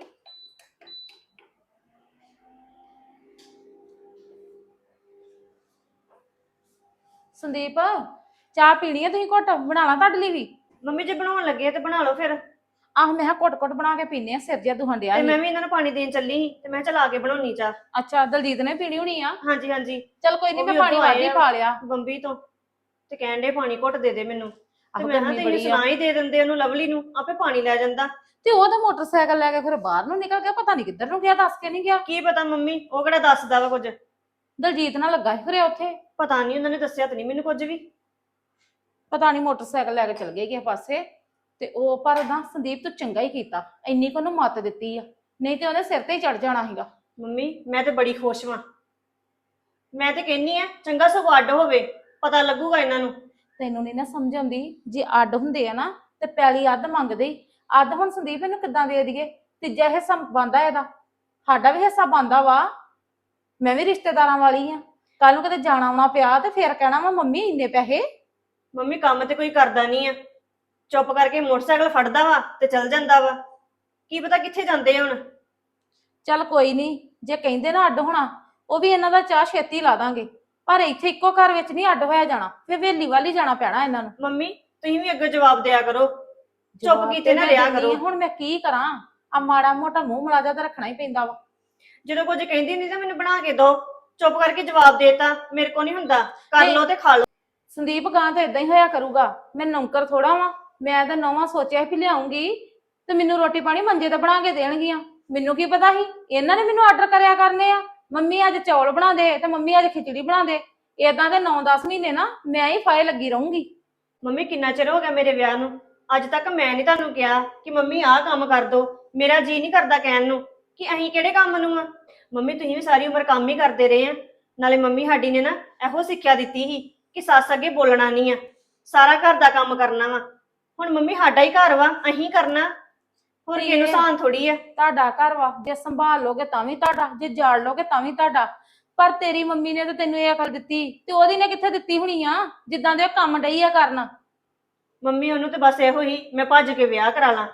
S4: ਸੰਦੀਪ, ਚਾਹ ਪੀਣੀ ਆ? ਤੁਸੀਂ ਘੁੱਟ ਬਣਾ ਲਾਂ ਤੁਹਾਡੇ ਲਈ ਵੀ?
S3: ਮੰਮੀ ਜੇ ਬਣਾਉਣ ਲੱਗੇ ਆ ਤੇ ਬਣਾ ਲਓ ਫਿਰ।
S4: ਆਹ ਮੈਂ ਕਿਹਾ ਘੁੱਟ ਬਣਾ ਕੇ ਪੀਨੇ ਆ, ਸਿਰ ਜਿਹਾ ਦੁਖਣ ਡਿਆ
S3: ਤੇ
S4: ਸੀ।
S3: ਮੈਂ ਵੀ ਇਹਨਾਂ ਨੂੰ ਪਾਣੀ ਦੇਣ ਚੱਲੀ ਸੀ ਤੇ ਮੈਂ ਚਲਾ ਕੇ ਬਣਾਉਣੀ ਚਾਹ।
S4: ਅੱਛਾ, ਦਲਜੀਤ ਨੇ ਪੀਣੀ ਹੋਣੀ ਆ।
S3: ਹਾਂਜੀ ਹਾਂਜੀ,
S4: ਚਲ ਕੋਈ ਨਹੀਂ,
S3: ਉਹ
S4: ਮੈਂ
S3: ਵੀ
S4: ਪਾਣੀ
S3: ਉੱਧਰੋਂ
S4: ਵੱਧ ਹੀ
S3: ਆਏ ਆ
S4: ਪਾ ਲਿਆ।
S3: ਬੰਬੀ ਤੋਂ, ਤੇ ਕਹਿਣ ਦੇ ਪਾਣੀ ਘੁੱਟ ਦੇ ਦੇ ਮੈਨੂੰ। ਤੇ
S4: ਆਹੋ
S3: ਮੈਂ ਕਿਹਾ
S4: ਗਰਮੀ
S3: ਤੁਸੀਂ
S4: ਬੜੀ ਆ।
S3: ਸੁਣਾ ਹੀ ਦੇ ਦਿੰਦੇ ਉਹਨੂੰ, ਲਵਲੀ ਨੂੰ, ਆਪੇ ਪਾਣੀ ਲੈ ਜਾਂਦਾ।
S4: ਤੇ ਉਹ ਤਾਂ ਮੋਟਰਸਾਈਕਲ ਲੈ ਕੇ ਫਿਰ ਬਾਹਰ ਨੂੰ ਨਿਕਲ ਗਿਆ, ਪਤਾ ਨਹੀਂ ਕਿੱਧਰ ਨੂੰ ਗਿਆ, ਦੱਸ ਕੇ ਨਹੀਂ ਗਿਆ।
S3: ਕੀ ਪਤਾ ਮੰਮੀ, ਉਹ ਕਿਹੜਾ ਦੱਸਦਾ ਵਾ ਕੁਝ।
S4: ਦਲਜੀਤ ਨਾਲ ਲੱਗਾ ਸੀ ਫਿਰ ਉੱਥੇ।
S3: ਪਤਾ ਨਹੀਂ, ਉਹਨਾਂ ਨੇ ਦੱਸਿਆ ਤਾਂ ਨਹੀਂ ਮੈਨੂੰ ਕੁਝ ਵੀ।
S4: ਪਤਾ ਨਹੀਂ ਮੋਟਰਸਾਈਕਲ ਲੈ ਕੇ ਚਲ ਗਏ ਕਿਸੇ ਪਾਸੇ। ਤੇ ਉਹ ਪਰ ਨਾ ਸੰਦੀਪ ਤੂੰ ਚੰਗਾ ਹੀ ਕੀਤਾ, ਇੰਨੀ ਕੁ ਉਹਨੂੰ ਮੱਤ ਦਿੱਤੀ ਆ, ਨਹੀਂ ਤੇ ਉਹਨੇ ਸਿਰ ਤੇ ਹੀ ਚੜ ਜਾਣਾ ਸੀਗਾ।
S3: ਮੰਮੀ ਮੈਂ ਤੇ ਬੜੀ ਖੁਸ਼ ਵਾਂ। ਮੈਂ ਤੇ ਕਹਿੰਨੀ ਆ ਚੰਗਾ ਸਗੋਂ ਅੱਡ ਹੋਵੇ, ਪਤਾ ਲੱਗੂਗਾ ਇਹਨਾਂ ਨੂੰ।
S4: ਤੈਨੂੰ ਨਹੀਂ ਨਾ ਸਮਝ ਆਉਂਦੀ, ਜੇ ਅੱਡ ਹੁੰਦੇ ਆ ਨਾ ਤੇ ਪੈਲੀ ਅੱਧ ਮੰਗਦੇ ਹੀ। ਅੱਧ ਹੁਣ ਸੰਦੀਪ ਇਹਨੂੰ ਕਿੱਦਾਂ ਦੇ ਦਈਏ? ਤੀਜਾ ਹਿੱਸਾ ਬਣਦਾ ਇਹਦਾ, ਸਾਡਾ ਵੀ ਹਿੱਸਾ ਬਣਦਾ ਵਾ। ਮੈਂ ਵੀ ਰਿਸ਼ਤੇਦਾਰਾਂ ਵਾਲੀ ਆ, ਕੱਲ ਨੂੰ ਕਿਤੇ ਜਾਣਾ ਆਉਣਾ ਪਿਆ ਤੇ ਫੇਰ ਕਹਿਣਾ ਵਾ ਮੰਮੀ ਇੰਨੇ ਪੈਸੇ।
S3: ਮੰਮੀ ਕੰਮ ਤੇ ਕੋਈ ਕਰਦਾ ਨਹੀਂ ਆ, ਚੁੱਪ ਕਰਕੇ ਮੋਟਰਸਾਈਕਲ ਫੜਦਾ ਵਾ ਤੇ ਚੱਲ ਜਾਂਦਾ ਵਾ। ਕੀ ਪਤਾ ਕਿੱਥੇ ਜਾਂਦੇ ਆ ਹੁਣ।
S4: ਚੱਲ ਕੋਈ ਨਹੀਂ, ਜੇ ਕਹਿੰਦੇ ਨਾ ਅੱਡ ਹੋਣਾ, ਉਹ ਵੀ ਇਹਨਾਂ ਦਾ ਚਾਹ ਛੇਤੀ ਲਾ ਦਾਂਗੇ। ਪਰ ਇੱਥੇ ਇੱਕੋ ਘਰ ਵਿੱਚ ਨਹੀਂ ਅੱਡ ਹੋਇਆ ਜਾਣਾ, ਫਿਰ ਵੇਲੀ ਵੱਲ ਹੀ ਜਾਣਾ ਪੈਣਾ ਇਹਨਾਂ ਨੂੰ।
S3: ਮੰਮੀ ਤੁਸੀਂ ਵੀ ਅੱਗੇ ਜਵਾਬ ਦਿਆ ਕਰੋ, ਚੁੱਪ
S4: ਜਵਾਬ
S3: ਕੀਤੇ ਨਾ
S4: ਮੈਂ
S3: ਰਿਹਾ
S4: ਦਿੰਦੀ
S3: ਕਰੋ।
S4: ਆ, ਹੁਣ ਮੈਂ ਕੀ ਕਰਾਂ? ਆ ਮਾੜਾ ਮੋਟਾ ਮੂੰਹ ਮਲਾਜਾ ਤਾਂ ਰੱਖਣਾ ਹੀ ਪੈਂਦਾ ਵਾ।
S3: ਜਦੋਂ ਕੁਝ ਕਹਿੰਦੀ ਨਹੀਂ ਤਾਂ ਮੈਨੂੰ ਬਣਾ ਕੇ ਦੋ, ਚੁੱਪ ਕਰਕੇ ਜਵਾਬ ਦੇਤਾ। ਮੇਰੇ ਕੋ ਨਹੀਂ ਹੁੰਦਾ, ਕਰ
S4: ਨਹੀਂ।
S3: ਲਓ ਤੇ ਖਾ ਲਓ।
S4: ਸੰਦੀਪ ਗਾਂ ਤਾਂ ਇਦਾਂ ਹੀ ਹੋਇਆ ਕਰੂਗਾ, ਮੈਂ ਨੌਕਰ ਥੋੜਾ ਵਾਂ। ਮੈਂ ਤਾਂ ਨੌਵਾਂ ਸੋਚਿਆ ਵੀ ਲਿਆਉਂਗੀ ਤੇ ਮੈਨੂੰ ਰੋਟੀ ਪਾਣੀ ਮੰਜੇ ਤੇ ਬਣਾ ਕੇ ਦੇਣਗੀਆਂ। ਮੈਨੂੰ ਕੀ ਪਤਾ ਸੀ ਇਹਨਾਂ ਨੇ ਮੈਨੂੰ ਆਰਡਰ ਕਰਿਆ ਕਰਨੇ ਆ, ਮੰਮੀ ਅੱਜ ਚੌਲ ਬਣਾ ਦੇ ਤੇ ਮੰਮੀ ਅੱਜ ਖਿਚੜੀ ਬਣਾ ਦੇ। ਏਦਾਂ ਦੇ 9-10 ਮਹੀਨੇ ਨਾ ਮੈਂ ਹੀ ਫਾਇ ਲੱਗੀ ਰਹੂੰਗੀ।
S3: ਮੰਮੀ ਕਿੰਨਾ ਚਿਰ ਹੋ ਗਿਆ ਮੇਰੇ ਵਿਆਹ ਨੂੰ, ਅੱਜ ਤੱਕ ਮੈਂ ਨਹੀਂ ਤੁਹਾਨੂੰ ਕਿਹਾ ਕਿ ਮੰਮੀ ਆਹ ਕੰਮ ਕਰ ਦੋ। ਮੇਰਾ ਜੀ ਨਹੀਂ ਕਰਦਾ ਕਹਿਣ ਨੂੰ ਕਿ ਅਸੀਂ ਕਿਹੜੇ ਕੰਮ ਨੂੰ ਆ। ਮੰਮੀ ਤੁਸੀਂ ਵੀ ਸਾਰੀ ਉਮਰ ਕੰਮ ਹੀ ਕਰਦੇ ਰਹੇ ਆ। ਨਾਲੇ ਮੰਮੀ ਸਾਡੀ ਨੇ ਨਾ ਇਹੋ ਸਿੱਖਿਆ ਦਿੱਤੀ ਸੀ ਕਿ ਸੱਸ ਅੱਗੇ ਬੋਲਣਾ ਨਹੀਂ ਆ, ਸਾਰਾ ਘਰ ਦਾ ਕੰਮ ਕਰਨਾ ਵਾ। ਹੁਣ ਮੰਮੀ ਸਾਡਾ ਹੀ ਘਰ ਵਾ, ਅਸੀਂ ਕਰਨਾ, ਹੋਰ ਕਿਸੇ ਨੂੰ ਸਾਨ ਥੋੜੀ ਆ।
S4: ਤੁਹਾਡਾ ਘਰ ਵਾ, ਜੇ ਸੰਭਾਲ ਲੋਗੇ ਤਾਂ ਵੀ ਤੁਹਾਡਾ, ਜੇ ਜਾੜ ਲੋਗੇ ਤਾਂ ਵੀ ਤੁਹਾਡਾ। ਪਰ ਤੇਰੀ ਮੰਮੀ ਨੇ ਤਾਂ ਤੈਨੂੰ ਇਹ ਅਕਲ ਦਿੱਤੀ, ਤੇ ਉਹਦੀ ਨੇ ਕਿੱਥੇ ਦਿੱਤੀ ਹੋਣੀ ਆ, ਜਿੱਦਾਂ ਦੇ ਉਹ ਕੰਮ ਡਈ ਆ ਕਰਨ।
S3: ਮੰਮੀ ਉਹਨੂੰ ਤੇ ਬਸ ਇਹੋ ਹੀ ਮੈਂ ਭੱਜ ਕੇ ਵਿਆਹ ਕਰਾ ਲਾਂ।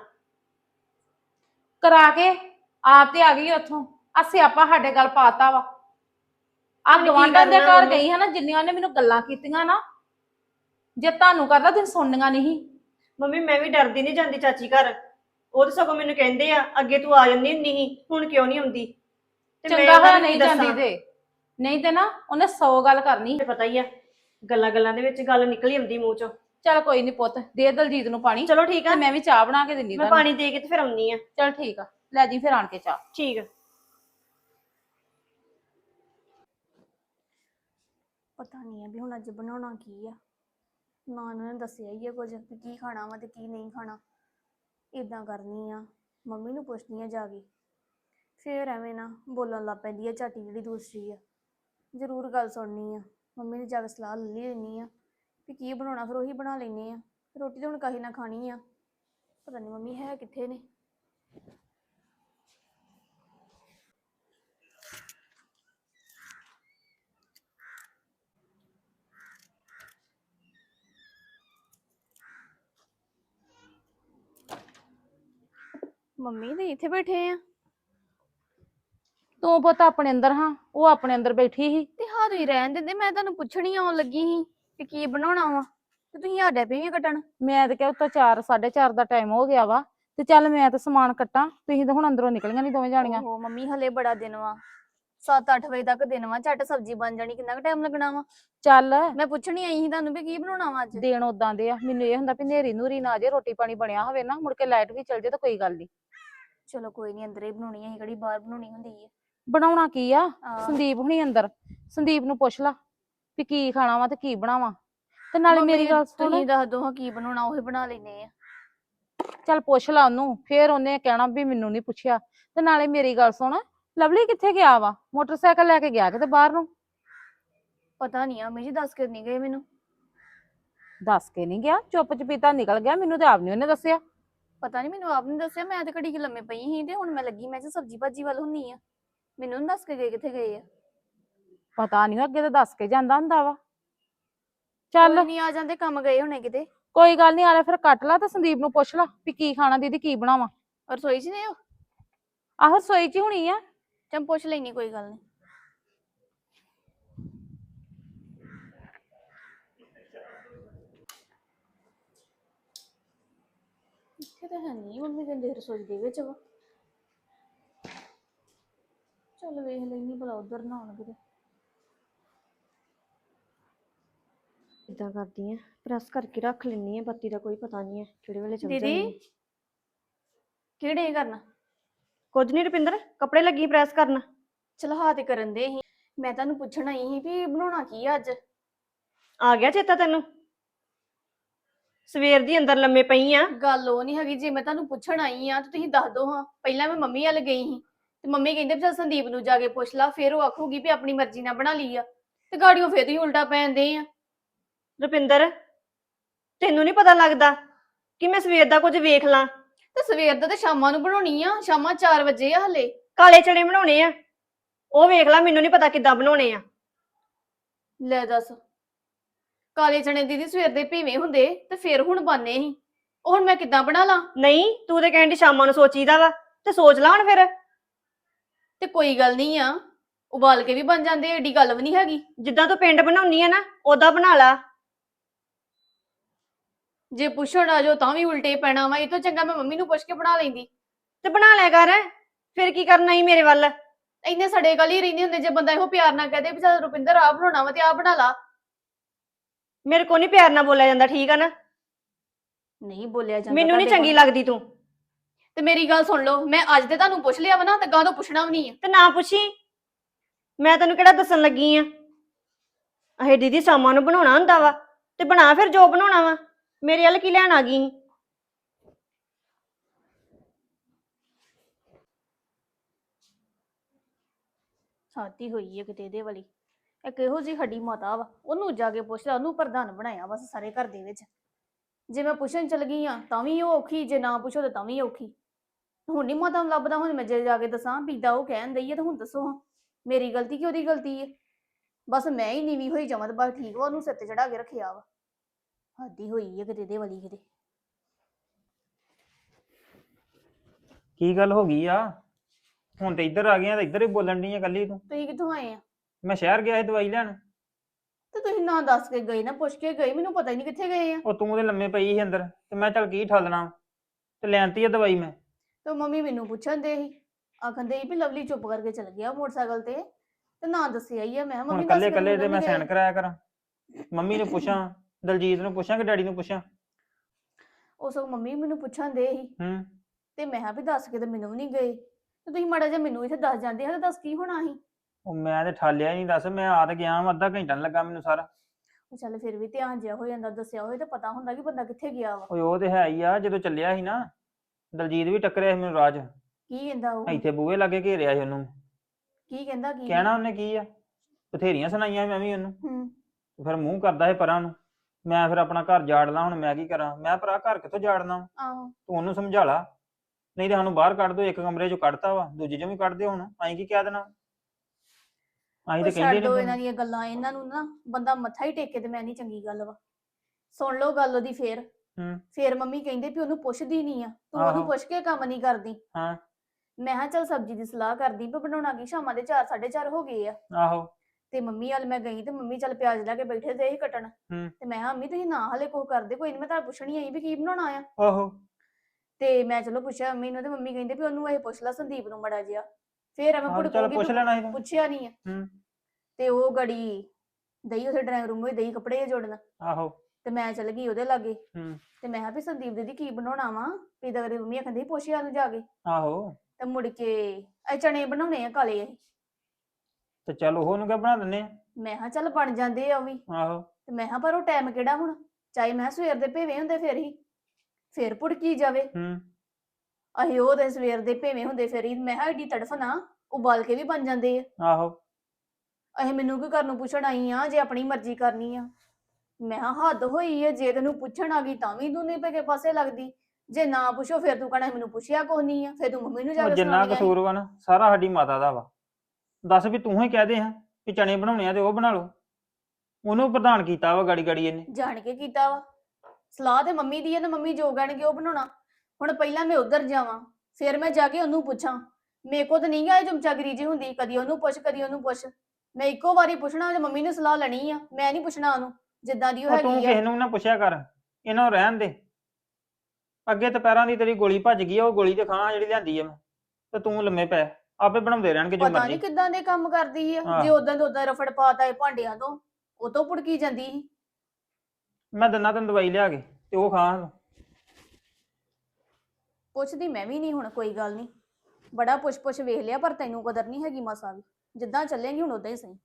S4: ਕਰਾ ਕੇ ਆਪ ਤੇ ਆ ਗਈ ਉੱਥੋਂ, ਆ ਸਿਆਪਾ ਸਾਡੇ ਗੱਲ ਪਾਤਾ ਵਾ। ਆ
S3: ਹੁਣ ਕੀ
S4: ਗਵਾਂਢਾਂ ਦੇ
S3: ਕਰਨਾ
S4: ਘਰ
S3: ਮੰਮੀ?
S4: ਗਈ ਹੈ ਨਾ, ਜਿੰਨੀਆਂ ਨੇ ਮੈਨੂੰ ਗੱਲਾਂ ਕੀਤੀਆਂ ਨਾ, ਜੇ ਤੁਹਾਨੂੰ ਕਰਦਾ ਤੁਸੀਂ ਸੁਣਨੀਆਂ ਨਹੀਂ।
S3: ਮੰਮੀ ਮੈਂ ਵੀ ਡਰਦੀ ਨਹੀਂ ਜਾਂਦੀ ਚਾਚੀ ਘਰ। ਉਹ ਤਾਂ ਸਗੋਂ ਮੈਨੂੰ ਕਹਿੰਦੇ ਆ ਅੱਗੇ ਤੂੰ ਆ ਜਾਂਦੀ ਹੁੰਦੀ ਸੀ, ਹੁਣ ਕਿਉਂ ਨਹੀਂ ਆਉਂਦੀ? ਤੇ ਮੈਂ
S4: ਚੰਗਾ
S3: ਉਹਨਾਂ
S4: ਹੋਇਆ
S3: ਨੂੰ ਕੀ
S4: ਨਹੀਂ ਜਾਂਦੀ
S3: ਦੱਸਾਂ?
S4: ਤੇ, ਨਹੀਂ ਤੇ ਨਾ ਉਹਨੇ 100 ਗੱਲ ਕਰਨੀ।
S3: ਤੇ ਪਤਾ ਹੀ ਆ, ਗੱਲਾਂ ਗੱਲਾਂ ਦੇ ਵਿੱਚ ਗੱਲ ਨਿਕਲ ਹੀ ਆਉਂਦੀ ਮੂੰਹ ਚੋਂ।
S4: ਚੱਲ ਕੋਈ ਨਹੀਂ ਪੁੱਤ, ਦੇ ਦਲਜੀਤ ਨੂੰ ਪਾਣੀ,
S3: ਚਲੋ ਠੀਕ ਆ,
S4: ਤੇ ਮੈਂ ਵੀ ਚਾਹ ਬਣਾ ਕੇ ਦਿੰਦੀ
S3: ਮੈਂ
S4: ਤੁਹਾਨੂੰ।
S3: ਪਾਣੀ ਦੇ ਕੇ ਤੇ ਫਿਰ ਆਉਣੀ ਆ।
S4: ਚੱਲ ਠੀਕ ਆ, ਲੈ ਜੀ ਫਿਰ ਆਣ ਕੇ ਚਾਹ।
S3: ਠੀਕ ਆ।
S5: ਪਤਾ ਨਹੀਂ ਆ ਵੀ ਹੁਣ ਅੱਜ ਬਣਾਉਣਾ ਕੀ ਆ। ਨਾ ਉਹਨਾਂ ਨੇ ਦੱਸਿਆ ਹੀ ਆ ਕੁਝ ਵੀ ਕੀ ਖਾਣਾ ਵਾ ਤੇ ਕੀ ਨਹੀਂ ਖਾਣਾ। ਇਦਾਂ ਕਰਨੀ ਆ, ਮੰਮੀ ਨੂੰ ਪੁੱਛਦੀ ਆ ਜਾ ਕੇ, ਫੇਰ ਐਵੇਂ ਨਾ ਬੋਲਣ ਲੱਗ ਪੈਂਦੀ ਆ ਝਾਟੀ ਜਿਹੜੀ ਦੂਸਰੀ ਆ। ਜ਼ਰੂਰ ਗੱਲ ਸੁਣਨੀ ਆ, ਮੰਮੀ ਨੇ ਜਾ ਕੇ ਸਲਾਹ ਲੈ ਲੈਣੀ ਆ ਵੀ ਕੀ ਬਣਾਉਣਾ, ਫਿਰ ਉਹੀ ਬਣਾ ਲੈਨੇ ਆ। ਰੋਟੀ ਤਾਂ ਹੁਣ ਕਾਹੀ ਨਾ ਖਾਣੀ ਆ, ਪਤਾ ਨਹੀਂ ਮੰਮੀ ਹੈ ਕਿੱਥੇ ਨੇ। ਮੰਮੀ ਤੇ ਇੱਥੇ ਬੈਠੇ ਆ
S4: ਤੂੰ ਪੁੱਤ ਆਪਣੇ ਅੰਦਰ ਹਾਂ, ਉਹ ਆਪਣੇ ਅੰਦਰ ਬੈਠੀ ਸੀ।
S5: ਤੇ ਹਾਂ ਤੁਸੀਂ ਰਹਿਣ ਦਿੰਦੇ, ਮੈਂ ਤੁਹਾਨੂੰ ਪੁੱਛਣੀ ਆਉਣ ਲੱਗੀ ਸੀ ਕਿ ਕੀ ਬਣਾਉਣਾ ਵਾ ਤੇ ਤੁਸੀਂ ਆਡੇ ਪਈਆਂ ਕੱਟਣ।
S4: ਮੈਂ ਤਾਂ ਕਿਹਾ ਉੱਤੋਂ 4 4:30 ਦਾ ਟਾਈਮ ਹੋ ਗਿਆ ਵਾ, ਤੇ ਚੱਲ ਮੈਂ ਤਾਂ ਸਮਾਨ ਕੱਟਾਂ, ਤੁਸੀਂ ਤਾਂ ਹੁਣ ਅੰਦਰੋਂ ਨਿਕਲੀਆਂ ਨਹੀਂ ਦੋਵੇਂ ਜਾਣੀਆਂ।
S5: ਓਹੋ ਮੰਮੀ ਹਲੇ ਬੜਾ ਦਿਨ ਵਾ, 7-8 ਵਜੇ ਤੱਕ ਦਿਨ ਵਾ, ਝੱਟ ਸਬਜ਼ੀ ਬਣ ਜਾਣੀ, ਕਿੰਨਾ ਕੁ ਟਾਈਮ ਲੱਗਣਾ ਵਾ।
S4: ਚੱਲ
S5: ਮੈਂ ਪੁੱਛਣੀ ਆਈ ਸੀ ਤੁਹਾਨੂੰ ਵੀ ਕੀ ਬਣਾਉਣਾ ਵਾ ਅੱਜ।
S4: ਦਿਨ ਉਦਾਂ ਦੇ ਆ, ਮੈਨੂੰ ਇਹ ਹੁੰਦਾ ਵੀ ਨੇਰੀ ਨੂਰੀ ਨਾ ਜੇ, ਰੋਟੀ ਪਾਣੀ ਬਣਿਆ ਹੋਵੇ ਨਾ, ਮੁੜ ਕੇ ਲਾਈਟ ਵੀ ਚਲ ਜੇ ਤਾਂ ਕੋਈ ਗੱਲ ਨਹੀਂ।
S5: ਚਲੋ ਕੋਈ ਨਹੀਂ, ਅੰਦਰ ਹੀ ਬਣਾਉਣੀ ਹੈ, ਕਿਹੜੀ ਬਾਹਰ ਬਣਾਉਣੀ ਹੁੰਦੀ ਹੈ।
S4: ਬਣਾਉਣਾ ਕੀ ਆ,
S5: ਆਹ,
S4: ਸੰਦੀਪ ਹੁਣੀ ਅੰਦਰ, ਸੰਦੀਪ ਨੂੰ ਪੁੱਛ ਲਾ ਵੀ ਕੀ ਖਾਣਾ ਵਾ ਤੇ ਕੀ ਬਣਾਵਾਂ। ਤੇ ਨਾਲੇ
S5: ਮੰਮੀ
S4: ਮੇਰੀ ਗੱਲ ਸੁਣ,
S5: ਤੁਸੀਂ ਦੱਸ ਦੋ ਹਾਂ ਕੀ ਬਣਾਉਣਾ, ਉਹੀ ਬਣਾ ਲੈਨੇ ਆ।
S4: ਚੱਲ ਪੁੱਛ ਲਾ ਉਹਨੂੰ, ਫੇਰ ਉਹਨੇ ਕਹਿਣਾ ਵੀ ਮੈਨੂੰ ਨਹੀਂ ਪੁੱਛਿਆ। ਤੇ ਨਾਲੇ ਮੇਰੀ ਗੱਲ ਸੁਣ, ਲਵਲੀ ਕਿੱਥੇ ਗਿਆ ਵਾ? ਮੋਟਰਸਾਈਕਲ ਲੈ ਕੇ ਗਿਆ ਕਿਤੇ ਬਾਹਰ ਨੂੰ।
S5: ਪਤਾ ਨਹੀਂ ਆ, ਜੀ ਦੱਸ ਕੇ ਨਹੀਂ ਗਏ ਮੈਨੂੰ।
S4: ਦੱਸ ਕੇ ਨਹੀਂ ਗਿਆ, ਚੁੱਪ ਚਪੀਤਾ ਨਿਕਲ ਗਿਆ, ਮੈਨੂੰ ਤੇ ਆਪ ਨਹੀਂ ਉਹਨੇ ਦੱਸਿਆ।
S5: ਪਤਾ ਨਹੀਂ, ਮੈਨੂੰ ਆਪ ਨੇ ਦੱਸਿਆ, ਮੈਂ ਤੇ ਘੜੀ ਕਿ ਲੰਮੇ ਪਈ ਸੀ ਤੇ ਹੁਣ ਮੈਂ ਲੱਗੀ, ਮੈਂ ਕਿਹਾ ਸਬਜ਼ੀ ਭਾਜੀ ਵੱਲ ਹੁੰਨੀ ਆ। ਮੈਨੂੰ ਨੀ ਦੱਸ ਕੇ ਗਏ ਕਿੱਥੇ ਗਏ ਆ।
S4: ਪਤਾ ਨਹੀਂ, ਅੱਗੇ ਤਾਂ ਦੱਸ ਕੇ ਜਾਂਦਾ ਹੁੰਦਾ ਵਾ। ਚੱਲ
S5: ਕੋਈ ਨਹੀਂ, ਆ ਜਾਂਦੇ, ਕੰਮ ਗਏ ਹੋਣੇ ਕਿਤੇ।
S4: ਕੋਈ ਗੱਲ ਨਹੀਂ, ਆ ਲੈ ਫਿਰ ਕੱਟ ਲਾ ਤੇ ਸੰਦੀਪ ਨੂੰ ਪੁੱਛ ਲਾ ਵੀ ਕੀ ਖਾਣਾ ਦੀਦੀ, ਕੀ ਬਣਾਵਾਂ।
S5: ਰਸੋਈ 'ਚ ਨੇ ਉਹ?
S4: ਆਹੋ ਰਸੋਈ 'ਚ ਹੀ ਹੋਣੀ ਆ।
S5: ਚੱਲ ਪੁੱਛ ਲੈਣੀ, ਕੋਈ ਗੱਲ ਨਹੀਂ। ਇੱਥੇ ਤਾਂ ਹੈ ਨਹੀਂ, ਮੰਮੀ ਕਹਿੰਦੇ ਰਸੋਈ ਦੇ ਵਿੱਚ ਵਾ। ਚੱਲ ਵੇਖ ਲੈਣੀ ਭਲਾ ਉਧਰ ਨਾ ਆਉਣ ਕਿਤੇ।
S3: ਇਦਾਂ ਕਰਦੀ ਆ, ਪ੍ਰੈਸ ਕਰਕੇ ਰੱਖ ਲੈਣੀ ਆ, ਬੱਤੀ ਦਾ ਕੋਈ ਪਤਾ ਨਹੀਂ ਹੈ ਕਿਹੜੇ ਵੇਲੇ ਚੱਲ
S5: ਦੀਦੀ
S3: ਜਾਣੀ।
S5: ਕਿਹੜੇ ਕਰਨਾ?
S3: ਕੁਝ ਨਹੀਂ ਰੁਪਿੰਦਰ, ਕੱਪੜੇ ਲੱਗੀ ਪ੍ਰੈਸ ਕਰਨ।
S5: ਚਲ ਹਾਂ ਤੇ ਕਰਨ ਦੇ ਹੀ, ਮੈਂ ਤੁਹਾਨੂੰ ਪੁੱਛਣ ਆਈ ਸੀ ਵੀ ਬਣਾਉਣਾ ਕੀ ਆ ਅੱਜ।
S3: ਆ ਗਿਆ ਚੇਤਾ ਤੈਨੂੰ? ਸਵੇਰ ਦੀ ਅੰਦਰ ਲੰਮੇ ਪਈ ਆ।
S5: ਗੱਲ ਉਹ ਨਹੀਂ ਹੈਗੀ, ਜੇ ਮੈਂ ਤੁਹਾਨੂੰ ਪੁੱਛਣ ਆਈ ਆ ਤਾਂ ਤੁਸੀਂ ਦੱਸ ਦੋ ਹਾਂ। ਪਹਿਲਾਂ ਮੈਂ ਮੰਮੀ ਵੱਲ ਗਈ ਸੀ ਤੇ ਮੰਮੀ ਕਹਿੰਦੇ ਵੀ ਚੱਲ ਸੰਦੀਪ ਨੂੰ ਜਾ ਕੇ ਪੁੱਛ ਲਾ, ਫਿਰ ਉਹ ਆਖੂਗੀ ਵੀ ਆਪਣੀ ਮਰਜ਼ੀ ਨਾਲ ਬਣਾ ਲਈ ਆ, ਤੇ ਗਾੜੀਆਂ ਫੇਰ ਹੀ ਉਲਟਾ ਪੈਂਦੇ ਆ।
S3: ਰੁਪਿੰਦਰ, ਤੈਨੂੰ ਨਹੀਂ ਪਤਾ ਲੱਗਦਾ ਕਿ ਮੈਂ ਸਵੇਰ ਦਾ ਕੁਝ ਵੇਖ ਲਾਂ?
S5: ਤੇ ਸਵੇਰ ਦਾ ਤੇ ਸ਼ਾਮਾਂ ਨੂੰ ਬਣਾਉਣੀ ਆ, ਸ਼ਾਮਾਂ 4 ਵਜੇ ਆ ਹਲੇ।
S3: ਕਾਲੇ ਚਣੇ ਬਣਾਉਣੇ ਆ, ਉਹ ਵੇਖ ਲਾ, ਮੈਨੂੰ ਨਹੀਂ ਪਤਾ ਕਿੱਦਾਂ ਬਣਾਉਣੇ ਆ।
S5: ਲੈ ਦੱਸ, ਕਾਲੇ ਚਣੇ ਦੀਦੀ ਸਵੇਰ ਦੇ ਭੀਵੇਂ ਹੁੰਦੇ ਤੇ ਫਿਰ ਹੁਣ ਬਾਨੇ ਸੀ, ਉਹ ਹੁਣ ਮੈਂ ਕਿੱਦਾਂ ਬਣਾ ਲਾਂ?
S3: ਨਹੀਂ, ਤੂੰ ਤੇ ਕਹਿੰਦੀ ਸ਼ਾਮਾਂ ਨੂੰ ਸੋਚੀਦਾ ਵਾ, ਤੇ ਸੋਚ ਲਾ ਹੁਣ ਫਿਰ।
S5: ਤੇ ਕੋਈ ਗੱਲ ਨਹੀਂ ਆ, ਉਬਾਲ ਕੇ ਵੀ ਬਣ ਜਾਂਦੇ, ਏਡੀ ਗੱਲ ਵੀ ਨਹੀਂ ਹੈਗੀ।
S3: ਜਿੱਦਾਂ ਤੂੰ ਪਿੰਡ ਬਣਾਉਣੀ ਆ ਨਾ, ਓਦਾਂ ਬਣਾ ਲਾ।
S5: ਜੇ ਪੁੱਛਣ ਆ ਜਾਓ ਤਾਂ ਵੀ ਉਲਟੇ ਪੈਣਾ ਵਾ, ਇਹ ਤੋਂ ਚੰਗਾ ਮੈਂ ਮੰਮੀ ਨੂੰ ਪੁੱਛ ਕੇ ਬਣਾ ਲੈਂਦੀ।
S3: ਤੇ ਬਣਾ ਲਿਆ ਕਰ, ਫਿਰ ਕੀ ਕਰਨਾ ਹੀ ਮੇਰੇ ਵੱਲ।
S5: ਇੰਨੇ ਸੜੇ ਗੱਲ ਹੀ ਰਹਿੰਦੇ ਹੁੰਦੇ, ਜੇ ਬੰਦਾ ਇਹੋ ਪਿਆਰ ਨਾਲ ਕਹਦੇ ਵੀ ਚੱਲ ਰੁਪਿੰਦਰ ਆ ਬਣਾਉਣਾ ਵਾ ਤੇ ਆ ਬਣਾ ਲਾ।
S3: ਮੇਰੇ ਕੋ ਨਹੀਂ ਪਿਆਰ ਨਾਲ ਬੋਲਿਆ ਜਾਂਦਾ, ਠੀਕ ਆ ਨਾ?
S5: ਨਹੀਂ ਬੋਲਿਆ ਜਾਂਦਾ
S3: ਮੈਨੂੰ ਨਹੀਂ
S5: ਤੁਹਾਡੇ
S3: ਚੰਗੀ
S5: ਕੋਲ।
S3: ਲੱਗਦੀ ਤੂੰ।
S5: ਤੇ ਮੇਰੀ ਗੱਲ ਸੁਣ ਲਓ, ਮੈਂ ਅੱਜ ਤੇ ਤੁਹਾਨੂੰ ਪੁੱਛ ਲਿਆ ਵਾ ਨਾ, ਤੇ ਗਾਂ ਤੋਂ ਪੁੱਛਣਾ ਵੀ ਨਹੀਂ ਆ।
S3: ਤੇ ਨਾ ਪੁੱਛੀ, ਮੈਂ ਤੈਨੂੰ ਕਿਹੜਾ ਦੱਸਣ ਲੱਗੀ ਆ। ਅਹੇ ਦੀਦੀ ਸ਼ਾਮਾਂ ਨੂੰ ਬਣਾਉਣਾ ਹੁੰਦਾ ਵਾ, ਤੇ ਬਣਾ ਫਿਰ ਜੋ ਬਣਾਉਣਾ ਵਾ, ਮੇਰੇ ਵੱਲ ਕੀ ਲੈਣ ਆ ਗਈ ਸੀ?
S5: ਸਾਤੀ ਹੋਈ ਹੈ ਕਿਤੇ ਇਹਦੇ ਵਾਲੀ। ਇੱਕ ਇਹੋ ਜਿਹੀ ਹੱਡੀ ਮਾਤਾ ਵਾ, ਉਹਨੂੰ ਜਾ ਕੇ ਪੁੱਛ ਲਾ, ਉਹਨੂੰ ਪ੍ਰਧਾਨ ਬਣਾਇਆ ਬਸ ਸਾਰੇ ਘਰ ਦੇ ਵਿੱਚ। ਜੇ ਮੈਂ ਪੁੱਛਣ ਚਲ ਗਈ ਆ ਤਾਂ ਵੀ ਉਹ ਔਖੀ, ਜੇ ਨਾ ਪੁੱਛੋ ਤੇ ਤਾਂ ਵੀ ਔਖੀ। ਹੁਣ ਨੀ ਮਾਤਾ ਨੂੰ ਲੱਭਦਾ, ਹੁਣ ਮੈਂ ਜੇ ਜਾ ਕੇ ਦੱਸਾਂ ਪੀਦਾ ਉਹ ਕਹਿਣ ਦਈ ਆ, ਤੇ ਹੁਣ ਦੱਸੋ ਹਾਂ ਮੇਰੀ ਗਲਤੀ ਕਿ ਉਹਦੀ ਗਲਤੀ ਹੈ? ਬਸ ਮੈਂ ਹੀ ਨੀਵੀਂ ਹੋਈ ਜਾਵਾਂ ਤੇ ਬਸ ਠੀਕ ਵਾ, ਉਹਨੂੰ ਸਿਰ ਤੇ ਚੜਾ ਕੇ ਰੱਖਿਆ ਵਾ। ਹੱਦੀ ਹੋਈ ਹੈ ਕਿਤੇ ਇਹਦੇ ਵਾਲੀ ਕਿਤੇ।
S2: ਕੀ ਗੱਲ ਹੋ ਗਈ ਆ? ਹੁਣ ਤੇ ਇੱਧਰ ਆ ਗਈਆਂ ਤੇ ਇੱਧਰ ਹੀ ਬੋਲਣ ਡਈ ਆ ਕੱਲੀ ਤੂੰ।
S5: ਤੁਸੀਂ ਕਿੱਥੋਂ ਆਏ ਆ?
S2: ਮੈਂ ਸ਼ਹਿਰ ਗਿਆ ਸੀ ਦਵਾਈ ਲੈਣ।
S5: ਤੇ ਤੁਸੀਂ ਨਾ ਦੱਸ ਕੇ ਗਏ, ਨਾ ਪੁੱਛ ਕੇ ਗਏ, ਮੈਨੂੰ ਪਤਾ ਹੀ ਨਹੀਂ ਕਿੱਥੇ ਗਏ ਆ।
S2: ਉਹ ਤੂੰ ਉਹਦੇ ਲੰਮੇ ਪਈ ਸੀ ਅੰਦਰ, ਤੇ ਮੈਂ ਚੱਲ ਕੀ ਠੱਲਣਾ, ਤੇ ਲੈਣਤੀ ਆ ਦਵਾਈ ਮੈਂ।
S5: ਤੇ ਮੰਮੀ ਮੈਨੂੰ ਪੁੱਛਣ ਦੇ ਸੀ, ਆਖੰਦੇ ਸੀ ਵੀ ਲਵਲੀ ਚੁੱਪ ਕਰਕੇ ਚਲ ਗਿਆ ਮੋਟਰਸਾਈਕਲ ਤੇ ਨਾ ਦੱਸਿਆ ਹੀ ਆ। ਮੈਂ ਕਿਹਾ
S2: ਹੁਣ
S5: ਮੰਮੀ
S2: ਕੱਲੇ ਕੱਲੇ ਤੇ ਮੈਂ ਸੈਨ ਕਰਾਇਆ ਕਰਾਂ, ਮੰਮੀ ਨੂੰ ਪੁੱਛਾਂ, ਦਲਜੀਤ ਨੂੰ ਪੁੱਛਾਂ ਕਿ ਡੈਡੀ ਨੂੰ ਪੁੱਛਾਂ?
S5: ਉਹ ਸਗੋਂ ਮੰਮੀ ਮੈਨੂੰ ਪੁੱਛਣ ਦੇ ਸੀ, ਤੇ ਮੈਂ ਕਿਹਾ ਵੀ ਦੱਸ ਕੇ ਤੇ ਮੈਨੂੰ ਵੀ ਨਹੀਂ ਗਏ, ਤੇ ਤੁਸੀਂ ਮਾੜਾ ਜਿਹਾ ਮੈਨੂੰ ਇੱਥੇ ਦੱਸ ਜਾਂਦੇ ਹਾਂ ਤਾਂ ਦੱਸ ਕੀ ਹੋਣਾ ਸੀ।
S2: ਉਹ ਮੈਂ ਤੇ ਠਾਲਿਆ ਹੀ ਨਹੀਂ, ਦੱਸ ਮੈਂ ਆ ਤੇ ਗਿਆ ਵਾਂ, ਅੱਧਾ ਘੰਟਾ ਨੀ ਲੱਗਾ ਮੈਨੂੰ ਸਾਰਾ।
S5: ਉਹ ਚੱਲ ਫਿਰ ਵੀ ਧਿਆਨ ਜਿਹਾ ਹੋ ਜਾਂਦਾ, ਦੱਸਿਆ ਹੋਏ ਤਾਂ ਪਤਾ ਹੁੰਦਾ ਕਿ ਬੰਦਾ ਕਿੱਥੇ ਗਿਆ ਵਾ।
S2: ਓਏ ਉਹ ਤੇ ਹੈ ਹੀ ਆ, ਜਦੋਂ ਚੱਲਿਆ ਸੀ ਨਾ ਦਲਜੀਤ ਵੀ ਟੱਕਰਿਆ ਸੀ ਮੈਨੂੰ ਰਾਜ,
S5: ਕੀ ਕਹਿੰਦਾ ਉਹ?
S2: ਇੱਥੇ ਬੂਹੇ ਲਾਗੇ ਘੇਰਿਆ ਸੀ ਉਹਨੂੰ।
S5: ਕੀ ਕਹਿੰਦਾ ਕੀ?
S2: ਕਹਿਣਾ ਉਹਨੇ ਕੀ ਆ, ਬਥੇਰੀਆਂ ਸੁਣਾਈਆਂ ਮੈਂ ਵੀ ਉਹਨੂੰ।
S5: ਹੂੰ।
S2: ਤੇ ਫਿਰ ਮੂੰਹ ਕਰਦਾ ਸੀ ਪਰਾਂ ਨੂੰ। ਮੈਂ ਫਿਰ ਆਪਣਾ ਘਰ ਜਾੜਦਾ, ਹੁਣ ਮੈਂ ਕੀ ਕਰਾਂ? ਮੈਂ ਭਰਾ ਘਰ ਕਿੱਥੋਂ ਜਾੜਨਾ?
S5: ਆਹੋ।
S2: ਤੂੰ ਉਹਨੂੰ ਸਮਝਾ ਲਾ, ਨਹੀਂ ਤੇ ਸਾਨੂੰ ਬਾਹਰ ਕੱਢ ਦੋ। ਇੱਕ ਕਮਰੇ ਚੋਂ ਕੱਢਤਾ ਵਾ, ਦੂਜੇ ਚੋਂ ਵੀ ਕੱਢ ਦਿਓ। ਹੁਣ ਅਸੀਂ ਕੀ ਕਹਿ ਦੇਣਾ? ਅਸੀਂ ਤੇ
S5: ਉਹ
S2: ਕਹਿੰਦੇ
S5: ਛੱਡੋ ਇਹਨਾਂ
S2: ਨਹੀਂ।
S5: ਦੀਆਂ ਗੱਲਾਂ, ਇਹਨਾਂ ਨੂੰ ਨਾ ਬੰਦਾ ਮੱਥਾ ਹੀ ਟੇਕੇ ਤੇ ਮੈਂ ਨਹੀਂ ਚੰਗੀ ਗੱਲ ਵਾ। ਸੁਣ ਲਓ ਗੱਲ ਉਹਦੀ ਫੇਰ।
S2: ਹੂੰ।
S5: ਫੇਰ ਮੰਮੀ ਕਹਿੰਦੇ ਵੀ ਉਹਨੂੰ ਪੁੱਛਦੀ ਨਹੀਂ ਆ, ਤੂੰ ਉਹਨੂੰ
S2: ਆਹੋ।
S5: ਪੁੱਛ ਕੇ ਕੰਮ ਨਹੀਂ ਕਰਦੀ।
S2: ਹਾਂ।
S5: ਮੈਂ ਕਿਹਾ ਚੱਲ ਸਬਜ਼ੀ ਦੀ ਸਲਾਹ ਕਰਦੀ ਵੀ ਬਣਾਉਣਾ ਕੀ, ਸ਼ਾਮਾਂ ਦੇ 4 4:30 ਹੋ ਗਏ ਆ।
S2: ਆਹੋ।
S5: ਤੇ ਮੰਮੀ ਵੱਲ ਮੈਂ ਗਈ ਤੇ ਮੰਮੀ ਚੱਲ ਪਿਆਜ਼ ਲੈ ਕੇ ਬੈਠੇ ਤੇ ਇਹ ਕੱਟਣ।
S2: ਹੂੰ।
S5: ਤੇ ਮੈਂ ਕਿਹਾ ਮੰਮੀ ਤੁਸੀਂ ਨਾ ਹਲੇ ਕੁਛ ਕਰਦੇ, ਕੋਈ ਨਹੀਂ ਮੈਂ ਤਾਂ ਪੁੱਛਣੀ ਆਈ ਵੀ ਕੀ ਬਣਾਉਣਾ ਆ।
S2: ਆਹੋ।
S5: ਤੇ ਮੈਂ ਚਲੋ ਪੁੱਛਿਆ ਮੰਮੀ ਨੂੰ, ਤੇ ਮੰਮੀ ਕਹਿੰਦੇ ਵੀ ਉਹਨੂੰ ਇਹ ਪੁੱਛ ਲਾ ਸੰਦੀਪ ਨੂੰ ਮੜਾ ਜਿਹਾ। ਫੇਰ ਐਵੇਂ
S2: ਚੱਲ
S5: ਭੁੜਕੂਗੀ
S2: ਪੁੱਛ
S5: ਵੀ
S2: ਲੈਣਾ ਸੀ ਤੂੰ।
S5: ਪੁੱਛਿਆ ਨਹੀਂ ਆ।
S2: ਹੂੰ।
S5: ਤੇ ਉਹ ਗੜੀ ਦਈ ਉੱਥੇ ਡਰਾਇੰਗ ਰੂਮ ਵਿੱਚ ਦਈ ਕੱਪੜੇ ਜੋੜਨ।
S2: ਆਹੋ।
S5: ਤੇ ਮੈਂ ਚਲ ਗਈ ਉਹਦੇ ਲਾਗੇ।
S2: ਹੂੰ।
S5: ਤੇ ਮੈਂ ਕਿਹਾ ਵੀ ਸੰਦੀਪ ਦੀਦੀ ਕੀ ਬਣਾਉਣਾ ਵਾ, ਵੀ ਤਾਂ ਕਦੇ ਮੰਮੀ ਆਖਦੀ ਪੁੱਛਿਆ ਨੂੰ ਜਾ ਕੇ।
S2: ਆਹੋ।
S5: ਤੇ ਮੁੜ ਕੇ ਇਹ ਚਣੇ ਬਣਾਉਣੇ ਆ ਕਾਲੇ ਇਹ।
S2: ਤੇ ਚੱਲ ਉਹਨੂੰ ਕਿਆ ਬਣਾ ਦਿੰਨੇ ਆ।
S5: ਮੈਂ ਕਿਹਾ ਚੱਲ ਬਣ ਜਾਂਦੇ ਆ ਉਹ ਵੀ।
S2: ਆਹੋ।
S5: ਤੇ ਮੈਂ ਕਿਹਾ ਪਰ ਉਹ ਟਾਈਮ ਕਿਹੜਾ ਹੁਣ, ਚਾਹੇ ਮੈਂ ਸਵੇਰ ਦੇ ਭੇਵੇਂ ਹੁੰਦੇ ਫੇਰ ਭੁੜਕੀ ਜਾਵੇ।
S2: ਹੂੰ।
S5: ਅਸੀਂ ਉਹ ਤੇ ਸਵੇਰ ਦੇ ਭੇਵੇਂ ਹੁੰਦੇ ਫਿਰ ਹੀ, ਮੈਂ ਕਿਹਾ ਏਡੀ ਤੜਫ ਨਾ, ਉਬਾਲ ਕੇ ਵੀ ਬਣ ਜਾਂਦੇ ਆ।
S2: ਆਹੋ।
S5: ਅਸੀਂ ਮੈਨੂੰ ਕੀ ਕਰਨ ਨੂੰ ਪੁੱਛਣ ਆਈ ਆ, ਜੇ ਆਪਣੀ ਮਰਜ਼ੀ ਕਰਨੀ ਆ। ਮੈਂ ਕਿਹਾ ਹੱਦ ਹੋਈ ਹੈ, ਜੇ ਤੈਨੂੰ ਪੁੱਛਣ ਆ ਗਈ ਤਾਂ ਵੀ ਤੂੰ ਨਹੀਂ ਪੇਕੇ ਪਾਸੇ ਲੱਗਦੀ, ਜੇ ਨਾ ਪੁੱਛੋ ਫਿਰ ਤੂੰ ਕਹਣਾ ਮੈਨੂੰ ਪੁੱਛਿਆ ਕੁਛ ਨਹੀਂ ਆ, ਫਿਰ ਤੂੰ ਮੰਮੀ ਨੂੰ ਜਾ
S2: ਉਹ
S5: ਕੇ
S2: ਜਿੰਨਾ
S5: ਸੁਣਾਉਣੀ ਆ।
S2: ਕਸੂਰ ਵਾ ਨਾ ਸਾਰਾ ਸਾਡੀ ਮਾਤਾ ਦਾ ਵਾ। ਦੱਸ ਵੀ ਤੂੰ ਹੀ ਕਹਿ ਦੇ ਹਾਂ ਵੀ ਚਣੇ ਬਣਾਉਣੇ ਆ ਤੇ ਉਹ ਬਣਾ ਲਓ। ਉਹਨੂੰ ਪ੍ਰਧਾਨ ਕੀਤਾ ਵਾ ਗਾੜੀ ਗਾੜੀ ਇਹਨੇ।
S5: ਜਾਣ ਕੇ ਕੀਤਾ ਵਾ, ਸਲਾਹ ਤੇ ਮੰਮੀ ਦੀ ਹੈ ਤੇ ਮੰਮੀ ਜੋ ਕਹਿਣਗੇ ਉਹ ਬਣਾਉਣਾ। ਹੁਣ ਪਹਿਲਾਂ ਮੈਂ ਉਧਰ ਜਾਵਾਂ, ਫਿਰ ਮੈਂ ਜਾ ਕੇ ਉਹਨੂੰ ਪੁੱਛਾਂ। ਮੇਰੇ ਕੋ ਤਾਂ ਨਹੀਂ ਗਾ ਇਹ ਚਮਚਾਗਿਰੀ ਜੀ ਹੁੰਦੀ, ਕਦੀ ਉਹਨੂੰ ਪੁੱਛ ਕਦੀ ਉਹਨੂੰ ਪੁੱਛ। ਮੈਂ ਇੱਕੋ ਵਾਰੀ ਪੁੱਛਣਾ ਤੇ ਮੰਮੀ ਨੇ ਸਲਾਹ ਲੈਣੀ ਆ, ਮੈਂ ਨਹੀਂ ਪੁੱਛਣਾ ਉਹਨੂੰ ਜਿੱਦਾਂ ਦੀ ਉਹ
S2: ਉਹ ਤੂੰ
S5: ਹੈਗੀ ਆ।
S2: ਕਿਸੇ ਨੂੰ ਨਾ ਪੁੱਛਿਆ ਕਰ, ਇਹਨਾਂ ਨੂੰ ਰਹਿਣ ਦੇ। ਅੱਗੇ ਦੁਪਹਿਰਾਂ ਦੀ ਤੇਰੀ ਗੋਲੀ ਭੱਜ ਗਈ ਆ, ਉਹ ਗੋਲੀ ਤੇ ਖਾਂ ਜਿਹੜੀ ਲਿਆਂਦੀ ਆ ਮੈਂ, ਤੇ ਤੂੰ ਲੰਮੇ ਪੈ, ਆਪੇ ਬਣਾਉਂਦੇ ਰਹਿਣਗੇ ਜੋ
S5: ਪਤਾ
S2: ਮਰਜ਼ੀ।
S5: ਨਹੀਂ ਕਿੱਦਾਂ ਦੇ ਕੰਮ ਕਰਦੀ ਆ,
S2: ਹਾਂ।
S5: ਜੇ ਉਦਾਂ ਦੇ ਉਦਾਂ ਰਫੜ ਪਾਤਾ ਇਹ ਭਾਂਡਿਆਂ ਤੋਂ, ਉਹ ਤੋਂ ਪੁੜਕੀ ਜਾਂਦੀ ਸੀ।
S2: ਮੈਂ ਦਿੰਦਾ ਤੈਨੂੰ ਦਵਾਈ ਲਿਆ ਕੇ ਤੇ ਉਹ ਖਾਂ।
S5: ਪੁੱਛਦੀ ਮੈਂ ਵੀ ਨਹੀਂ ਹੁਣ, ਕੋਈ ਗੱਲ ਨਹੀਂ। ਬੜਾ ਪੁੱਛ ਵੇਖ ਲਿਆ ਪਰ ਤੈਨੂੰ ਕਦਰ ਨਹੀਂ ਹੈਗੀ ਮਾਸਾ ਵੀ। ਜਿੱਦਾਂ ਚੱਲੇਂਗੀ ਹੁਣ ਉਦਾਂ ਹੀ ਸਹੀ।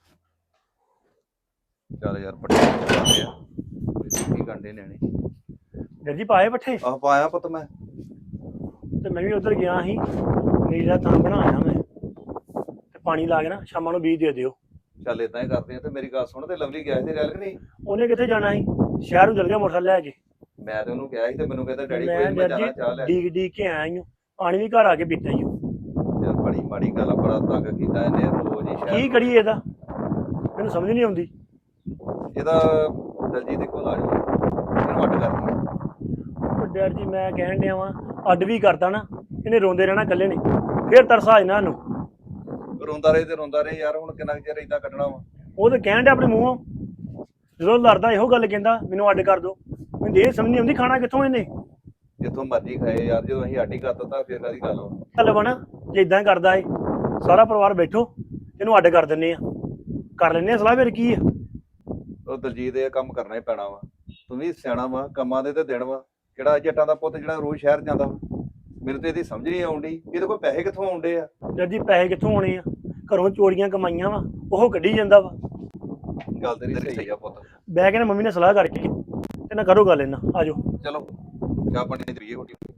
S6: ਚੱਲ ਯਾਰ ਪੱਠੇ ਪਾਉਂਦੇ ਆ, ਕੀ ਗੰਡੇ ਨਿਆਣੇ।
S1: ਡਰ ਜੀ ਪਾਏ ਪੱਠੇ?
S6: ਆਹ ਪਾਇਆ ਪੁੱਤ ਮੈਂ।
S1: ਤੇ ਮੈਂ ਵੀ ਉਧਰ ਗਿਆ ਸੀ, ਨੀਲਾ ਤਾਂ ਬਣਾਇਆ ਮੈਂ, ਤੇ ਪਾਣੀ ਲਾ ਕੇ ਨਾ ਸ਼ਾਮਾਂ ਨੂੰ ਬੀਜ ਦੇ ਦਿਓ।
S6: ਚੱਲ ਇਦਾਂ ਹੀ ਕਰਦੇ ਆ। ਤੇ ਮੇਰੀ ਗੱਲ ਸੁਣ, ਤੇ ਲਵਲੀ ਗਿਆ ਸੀ ਰੈਲ ਕਿ ਨਹੀਂ?
S1: ਉਹਨੇ ਕਿੱਥੇ ਜਾਣਾ ਸੀ, ਸ਼ਹਿਰ ਨੂੰ ਚਲ ਗਿਆ ਮੋਟਰਸਾਈਕਲ ਲੈ ਕੇ।
S6: ਮੈਂ ਤੇ ਉਹਨੂੰ ਕਿਹਾ ਸੀ ਤੇ ਮੈਨੂੰ ਕਹਿੰਦਾ ਡੈਡੀ ਕੋਈ
S1: ਮੈਂ
S6: ਨੀ, ਮੈਂ
S1: ਡਰ
S6: ਜਾਣਾ ਚਾਹ ਲੈ ਕੇ।
S1: ਡੀਕ ਡੀਕ ਕੇ ਆਇਆ ਈ ਓ। ਪਾਣੀ ਵੀ ਘਰ ਆ ਕੇ ਪੀਤਾ ਹੀ।
S6: ਯਾਰ ਬੜੀ ਮਾੜੀ ਗੱਲ ਆ, ਬੜਾ ਤੰਗ ਕੀਤਾ ਇਹਨੇ ਰੋਜ਼ ਹੀ
S1: ਕੀ
S6: ਸ਼ਹਿਰ।
S1: ਕਰੀਏ ਇਹਦਾ, ਮੈਨੂੰ ਸਮਝ ਨਹੀਂ ਆਉਂਦੀ।
S6: ਇਹਦਾ ਦਲਜੀਤ ਦੇ ਕੋਲ ਆ ਜੀ, ਇਹਨੂੰ ਅੱਡ ਕਰਦੀ।
S1: ਉਹ ਡਰ ਜੀ ਮੈਂ ਕਹਿਣ ਡਿਆ ਵਾਂ, ਅੱਡ ਵੀ ਕਰਤਾ ਨਾ ਇਹਨੇ ਰੋਂਦੇ ਰਹਿਣਾ ਇਕੱਲੇ ਨੇ, ਫੇਰ ਤਰਸ ਆ ਜਾਣਾ ਇਹਨੂੰ।
S6: ਰੋਂਦਾ ਰਹੇ ਤੇ ਰੋਂਦਾ ਰਹੇ ਯਾਰ, ਹੁਣ ਕਿੰਨਾ ਕੁ ਚਿਰ ਏਦਾਂ ਕੱਢਣਾ ਵਾ।
S1: ਉਹ ਤਾਂ ਕਹਿਣ ਡਿਆ ਆਪਣੇ ਮੂੰਹੋਂ, ਜਦੋਂ ਲੜਦਾ ਇਹੋ ਗੱਲ ਕਹਿੰਦਾ ਮੈਨੂੰ ਅੱਡ ਕਰ ਦੋ। ਮੈਨੂੰ ਇਹ ਸਮਝ ਨਹੀਂ ਆਉਂਦੀ ਖਾਣਾ ਕਿੱਥੋਂ ਇਹਨੇ।
S6: ਜਿੱਥੋਂ ਮਰਜ਼ੀ ਖਾਏ ਯਾਰ, ਜਦੋਂ ਅਸੀਂ ਅੱਡ ਹੀ ਕਰ ਦਿੱਤਾ ਫੇਰ ਕਾਹਦੀ ਗੱਲ ਵਾ।
S1: ਚੱਲ ਬਣਾ, ਜੇ ਇਦਾਂ ਕਰਦਾ ਏ ਸਾਰਾ ਪਰਿਵਾਰ ਬੈਠੋ, ਇਹਨੂੰ ਅੱਡ ਕਰ ਦਿੰਨੇ ਆ, ਕਰ ਲੈਨੇ ਆ ਸਲਾਹ, ਫਿਰ ਕੀ ਆ।
S6: ਉਹ ਦਲਜੀਤ ਇਹ ਕੰਮ ਕਰਨਾ ਹੀ ਪੈਣਾ ਵਾ। ਤੂੰ ਵੀ ਸਿਆਣਾ ਵਾ, ਕੰਮਾਂ ਦੇ ਤੇ ਦਿਨ ਵਾ। ਕਿਹੜਾ ਜੱਟਾਂ ਦਾ ਪੁੱਤ ਜਿਹੜਾ ਰੋਜ਼ ਸ਼ਹਿਰ ਜਾਂਦਾ ਵਾ। ਮੈਨੂੰ ਤੇ ਇਹਦੀ ਸਮਝ ਨਹੀਂ ਆਉਂਦੀ, ਇਹਦੇ ਕੋਲ ਪੈਸੇ ਕਿੱਥੋਂ ਆਉਂਦੇ ਆ।
S1: ਡਰ ਜੀ ਪੈਸੇ ਕਿੱਥੋਂ ਆਉਣੇ ਆ, ਘਰੋਂ ਚੋਰੀਆਂ ਕਮਾਈਆਂ ਵਾ, ਉਹ ਕੱਢੀ ਜਾਂਦਾ ਵਾ।
S6: ਗੱਲ ਤੇਰੀ ਸਹੀ ਆ ਪੁੱਤ।
S1: ਬਹਿ ਕੇ ਨਾ ਮੰਮੀ ਨੇ ਸਲਾਹ ਕਰਕੇ ਤੇ ਨਾ ਕਰੋ ਗੱਲ ਇਹਨਾਂ, ਆਜੋ।
S6: ਚਲੋ ਚਾਹ ਪਾਣੀ ਦੀ ਤਰੀਏ ਹੋਟੀ।